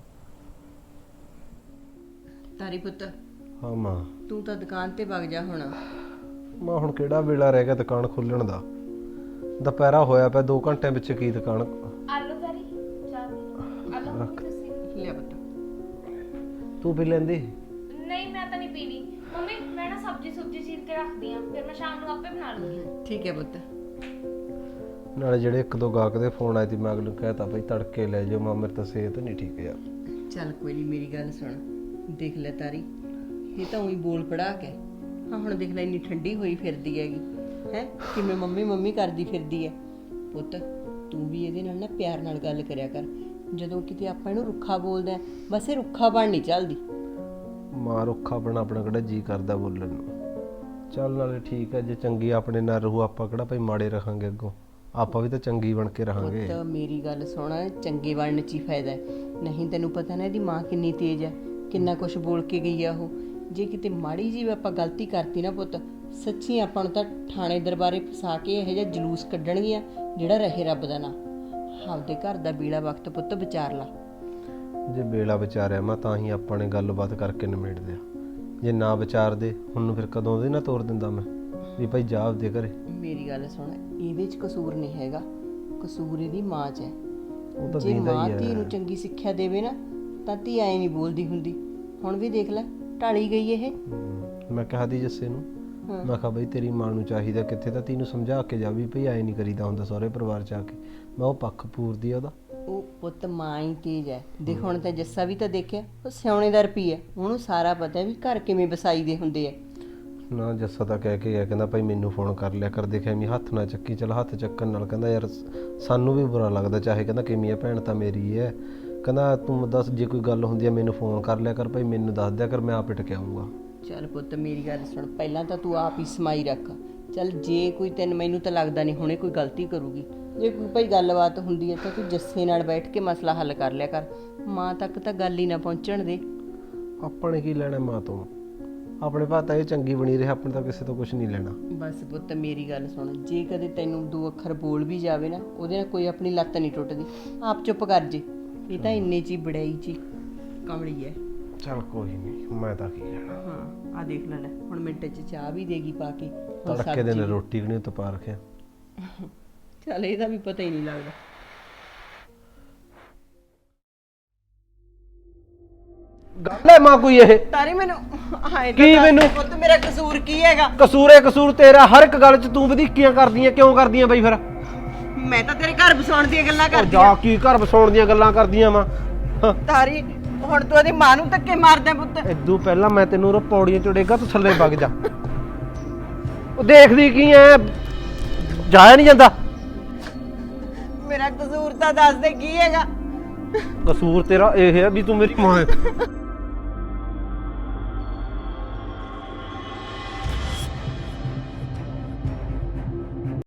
C: ਤਾਰੀ ਪੁੱਤ,
B: ਹਾਂ ਮਾਂ।
C: ਤੂੰ ਤਾਂ ਦੁਕਾਨ ਤੇ ਵਗ ਜਾ ਹੁਣ।
B: ਮਾਂ ਹੁਣ ਕਿਹੜਾ ਵੇਲਾ ਰਹਿ ਗਿਆ ਦੁਕਾਨ ਖੋਲਣ ਦਾ? ਦੁਪਹਿਰਾ ਹੋਇਆ ਪਿਆ, 2 ਘੰਟਿਆਂ ਵਿੱਚ ਕੀ ਦੁਕਾਨ?
H: ਆਲੂ ਤਾਰੀ ਚਾਹ ਪੀ। ਆਲੂ ਤੁਸੀਂ
C: ਲਿਆ ਪੁੱਤ।
B: ਤੂੰ ਪੀ ਲੈਂਦੀ?
H: ਨਹੀਂ, ਮੈਂ ਤਾਂ ਨਹੀਂ ਪੀਣੀ ਮੰਮੀ, ਮੈਂ ਨਾ ਸਬਜ਼ੀ ਚੀਰ ਕੇ ਰੱਖਦੀ ਆ, ਫਿਰ ਮੈਂ ਸ਼ਾਮ ਨੂੰ ਆਪੇ ਬਣਾ ਲੂੰਗੀ।
C: ਠੀਕ ਹੈ ਪੁੱਤ।
B: ਨਾਲੇ ਜਿਹੜੇ 1-2 ਗਾਹਕ ਦੇ ਫੋਨ ਆਏ ਸੀ, ਮੈਂ ਅਗਲੇ ਨੂੰ ਕਹਿਤਾ ਬਈ ਤੜਕੇ ਲੈ ਜਾਓ ਮਾਂ, ਮੇਰੇ ਤਾਂ ਸਿਹਤ ਨਹੀਂ ਠੀਕ ਯਾਰ।
C: ਚੱਲ ਕੋਈ ਨਹੀਂ, ਮੇਰੀ ਗੱਲ ਸੁਣ, ਦੇਖ ਲੈ ਤਾਰੀ, ਇਹ ਤਾਂ ਉਹੀ ਬੋਲ ਪੜਾ ਕੇ ਹਾਂ ਹੁਣ ਦੇਖ ਲੈ ਇੰਨੀ ਠੰਡੀ ਹੋਈ ਫਿਰਦੀ ਹੈਗੀ ਹੈ, ਕਿਵੇਂ ਮੰਮੀ ਮੰਮੀ ਕਰਦੀ ਫਿਰਦੀ ਹੈ। ਪੁੱਤ ਤੂੰ ਵੀ ਇਹਦੇ ਨਾਲ ਨਾ ਪਿਆਰ ਨਾਲ ਗੱਲ ਕਰਿਆ ਕਰ। ਜਦੋਂ ਕਿਤੇ ਆਪਾਂ ਇਹਨੂੰ ਰੁੱਖਾ ਬੋਲਦੇ ਆ, ਬਸ ਇਹ ਰੁੱਖਾ ਬਣ ਨਹੀਂ ਚੱਲਦੀ।
B: ਮਾਂ ਰੁੱਖਾ ਆਪਣਾ ਕਿਹੜਾ ਜੀ ਕਰਦਾ ਬੋਲਣ ਨੂੰ। ਚੱਲ ਨਾਲੇ ਠੀਕ ਹੈ, ਜੇ ਚੰਗੀ ਆਪਣੇ ਨਾਲ ਰਹੂ ਆਪਾਂ ਕਿਹੜਾ ਭਾਈ ਮਾੜੇ ਰਹਾਂਗੇ ਅੱਗੋਂ, ਆਪਾਂ ਵੀ ਤਾਂ ਚੰਗੀ ਬਣ ਕੇ ਰਹਾਂਗੇ।
C: ਪੁੱਤ ਮੇਰੀ ਗੱਲ ਸੁਣ, ਚੰਗੇ ਬਣਨ 'ਚ ਹੀ ਫਾਇਦਾ ਹੈ। ਨਹੀਂ ਤੈਨੂੰ ਪਤਾ ਨਾ ਇਹਦੀ ਮਾਂ ਕਿੰਨੀ ਤੇਜ਼ ਹੈ, ਕਿੰਨਾ ਕੁਝ ਬੋਲ ਕੇ ਗਈ ਆ ਉਹ। ਜੇ ਕਿਤੇ ਮਾੜੀ ਜਿਹੀ ਵੀ ਆਪਾਂ ਗਲਤੀ ਕਰਤੀ ਨਾ ਪੁੱਤ, ਸੱਚੀ ਆਪਾਂ ਨੂੰ ਤਾਂ ਥਾਣੇ ਦਰਬਾਰੇ ਫਸਾ ਕੇ ਇਹੋ ਜਿਹਾ ਜਲੂਸ ਕੱਢਣਗੀਆਂ ਜਿਹੜਾ ਰਹੇ ਰੱਬ ਦਾ ਨਾਂ। ਆਪਦੇ ਘਰ ਦਾ ਬੀੜਾ ਵਕਤ ਪੁੱਤ ਵਿਚਾਰ ਲਾ।
B: ਜੇ ਬੇਲਾ ਵਿਚਾਰਿਆ ਮੈਂ ਤਾਂ ਹੀ ਆਪਾਂ ਨੇ ਗੱਲਬਾਤ ਕਰਕੇ ਨਿਬੇੜਦੇ ਆ। ਜੇ ਨਾ ਵਿਚਾਰਦੇ ਹੁਣ ਨੂੰ ਫਿਰ ਕਦੋਂ ਦੇ ਨਾ ਤੋਰ ਦਿੰਦਾ ਮੈਂ ਵੀ ਭਾਈ ਜਾ ਆਪਦੇ ਘਰੇ।
C: ਮੇਰੀ ਗੱਲ ਸੁਣ, ਇਹਦੇ 'ਚ ਕਸੂਰ ਨਹੀਂ ਹੈਗਾ, ਕਸੂਰ ਇਹਦੀ ਮਾਂ 'ਚ ਹੈ।
B: ਉਹ ਤਾਂ
C: ਜੇ
B: ਦੀਦਾ
C: ਮਾਂ
B: ਹੀ
C: ਧੀ
B: ਹੈ।
C: ਨੂੰ ਚੰਗੀ ਸਿੱਖਿਆ ਦੇਵੇ ਨਾ ਤਾਂ ਧੀ ਐ ਨਹੀਂ ਬੋਲਦੀ ਹੁੰਦੀ। ਹੁਣ ਵੀ ਦੇਖ ਲੈ ਢਾਲੀ ਗਈ ਇਹ।
B: ਮੈਂ ਕਿਹਾ ਦੀ ਜੱਸੇ ਨੂੰ, ਮੈਂ ਕਿਹਾ ਬਈ ਤੇਰੀ ਮਾਂ ਨੂੰ ਚਾਹੀਦਾ ਕਿੱਥੇ ਤਾਂ ਤੈਨੂੰ ਸਮਝਾ ਕੇ ਜਾ ਵੀ ਭਈ ਐ ਨਹੀਂ ਕਰੀਦਾ ਹੁੰਦਾ ਸਹੁਰੇ ਪਰਿਵਾਰ 'ਚ ਆ ਕੇ। ਮੈਂ ਉਹ ਪੱਖ ਪੂਰਦੀ ਆ ਉਹਦਾ।
C: ਉਹ ਪੁੱਤ ਮਾਂ ਹੀ ਤੇਜ ਹੈ। ਦੇਖ ਹੁਣ ਤਾਂ ਜੱਸਾ ਵੀ ਤਾਂ ਦੇਖਿਆ, ਉਹ ਸਿਆਣੇ ਦਾ ਰੁਪਈਆ ਹੈ, ਉਹਨੂੰ ਸਾਰਾ ਪਤਾ ਵੀ ਘਰ ਕਿਵੇਂ ਵਸਾਈ ਦੇ ਹੁੰਦੇ ਆ।
B: ਨਾ ਜੱਸਾ ਤਾਂ ਕਹਿ ਕੇ ਗਿਆ, ਕਹਿੰਦਾ ਭਾਈ ਮੈਨੂੰ ਫੋਨ ਕਰ ਲਿਆ ਕਰ, ਦੇਖਿਆ ਮੈਂ ਹੱਥ ਨਾ ਚੱਕੀ। ਚਲ ਹੱਥ ਚੱਕਣ ਨਾਲ ਕਹਿੰਦਾ ਯਾਰ ਸਾਨੂੰ ਵੀ ਬੁਰਾ ਲੱਗਦਾ, ਚਾਹੇ ਕਹਿੰਦਾ ਕਿਵੇਂ ਆ ਭੈਣ ਤਾਂ ਮੇਰੀ ਹੈ। ਕਹਿੰਦਾ ਤੂੰ ਦੱਸ ਜੇ ਕੋਈ ਗੱਲ ਹੁੰਦੀ ਹੈ ਮੈਨੂੰ ਫੋਨ ਕਰ ਲਿਆ ਕਰ ਭਾਈ, ਮੈਨੂੰ ਦੱਸ ਦਿਆ ਕਰ, ਮੈਂ ਆਪ ਟਿਕ ਆਊਂਗਾ।
C: ਚੱਲ ਪੁੱਤ ਮੇਰੀ ਗੱਲ ਸੁਣ, ਪਹਿਲਾਂ ਤਾਂ ਤੂੰ ਆਪ ਹੀ ਸਮਾਈ ਰੱਖ। ਚੱਲ ਜੇ ਕੋਈ ਮੈਨੂੰ ਤਾਂ ਲੱਗਦਾ ਨਹੀਂ ਹੁਣੇ ਕੋਈ ਗਲਤੀ ਕਰੂਗੀ। ਜੇ ਕੋਈ ਭਾਈ ਗੱਲਬਾਤ ਹੁੰਦੀ ਹੈ ਤਾਂ ਤੂੰ ਜੱਸੇ ਨਾਲ ਬੈਠ ਕੇ ਮਸਲਾ ਹੱਲ ਕਰ ਲਿਆ ਕਰ। ਮਾਂ ਤੱਕ ਤਾਂ ਗੱਲ ਹੀ ਨਾ ਪਹੁੰਚਣ ਦੇ।
B: ਆਪਾਂ ਨੇ ਕੀ ਲੈਣਾ ਮਾਂ ਤੋਂ, ਆਪਣੇ ਭਾਅ ਤਾਂ ਇਹ ਚੰਗੀ ਬਣੀ ਰਹੇ, ਆਪਣੇ ਤਾਂ ਕਿਸੇ ਤੋਂ ਕੁਝ ਨਹੀਂ ਲੈਣਾ।
C: ਬਸ ਪੁੱਤ ਮੇਰੀ ਗੱਲ ਸੁਣ, ਜੇ ਕਦੇ ਤੈਨੂੰ ਦੋ ਅੱਖਰ ਬੋਲ ਵੀ ਜਾਵੇ ਨਾ, ਉਹਦੇ ਨਾਲ ਕੋਈ ਆਪਣੀ ਲੱਤ ਨਹੀਂ ਟੁੱਟਦੀ। ਆਪ ਚੁੱਪ ਕਰ ਜੇ, ਇਹ ਤਾਂ ਇੰਨੇ 'ਚ ਹੀ ਬੜਾਈ 'ਚ ਹੀ ਕਮਲੀ ਹੈ।
B: ਚੱਲ ਕੋਈ ਨਹੀਂ, ਮੈਂ ਤਾਂ ਕੀ ਲੈਣਾ।
C: ਹਾਂ ਆ ਦੇਖ ਲੈ ਹੁਣ ਮਿੰਟ 'ਚ ਚਾਹ ਵੀ ਦੇਗੀ ਪਾ ਕੇ। ਹੁਣ
B: ਤੜਕੇ ਦੇ ਨੇ
C: ਸਬਜ਼ੀ-
B: ਰੋਟੀ ਵੀ ਨਹੀਂ ਤਪਾ ਰੱਖਿਆ।
C: ਚੱਲ ਇਹਦਾ ਵੀ ਪਤਾ ਹੀ ਨਹੀਂ ਲੱਗਦਾ।
B: ਗੱਲ ਹੈ ਮਾਂ ਕੋਈ ਇਹ
C: ਤਾਰੀ ਮੈਨੂੰ ਹਾਏ
B: ਕੀ ਮੈਨੂੰ?
C: ਪੁੱਤ ਮੇਰਾ ਕਸੂਰ ਕੀ ਹੈਗਾ?
B: ਕਸੂਰ ਤੇਰਾ, ਹਰ ਇੱਕ ਗੱਲ 'ਚ ਤੂੰ ਵਧੀਕੀਆਂ ਕਰਦੀਆਂ ਕਿਉਂ ਕਰਦੀਆਂ ਬਈ ਫਿਰ?
C: ਮੈਂ ਤਾਂ ਤੇਰੇ ਘਰ ਵਸਾਉਣ ਦੀਆਂ ਗੱਲਾਂ ਕਰਦੀ
B: ਜਾ ਕੀ ਘਰ ਵਸਾਉਣ ਦੀਆਂ ਗੱਲਾਂ ਕਰਦੀਆਂ ਮਾਂ।
C: ਤਾਰੀ ਹੁਣ ਤੂੰ ਉਹਦੀ ਮਾਂ ਨੂੰ ਧੱਕੇ ਮਾਰਦਾ ਪੁੱਤ।
B: ਇਦੋਂ ਪਹਿਲਾਂ ਮੈਂ ਤੈਨੂੰ ਉਹ ਪੌੜੀਆਂ ਚੜੇਗਾ, ਤੂੰ ਥੱਲੇ ਵਗ ਜਾ। ਉਹ ਦੇਖਦੀ ਕੀ ਐ, ਜਾਇਆ ਨਹੀਂ ਜਾਂਦਾ।
C: ਮੇਰਾ ਕਸੂਰ ਤਾਂ ਦੱਸ ਦੇ ਕੀ ਹੈਗਾ?
B: ਕਸੂਰ ਤੇਰਾ ਇਹ ਹੈ ਵੀ ਤੂੰ ਮੇਰੀ ਮਾਂ ਹੈ।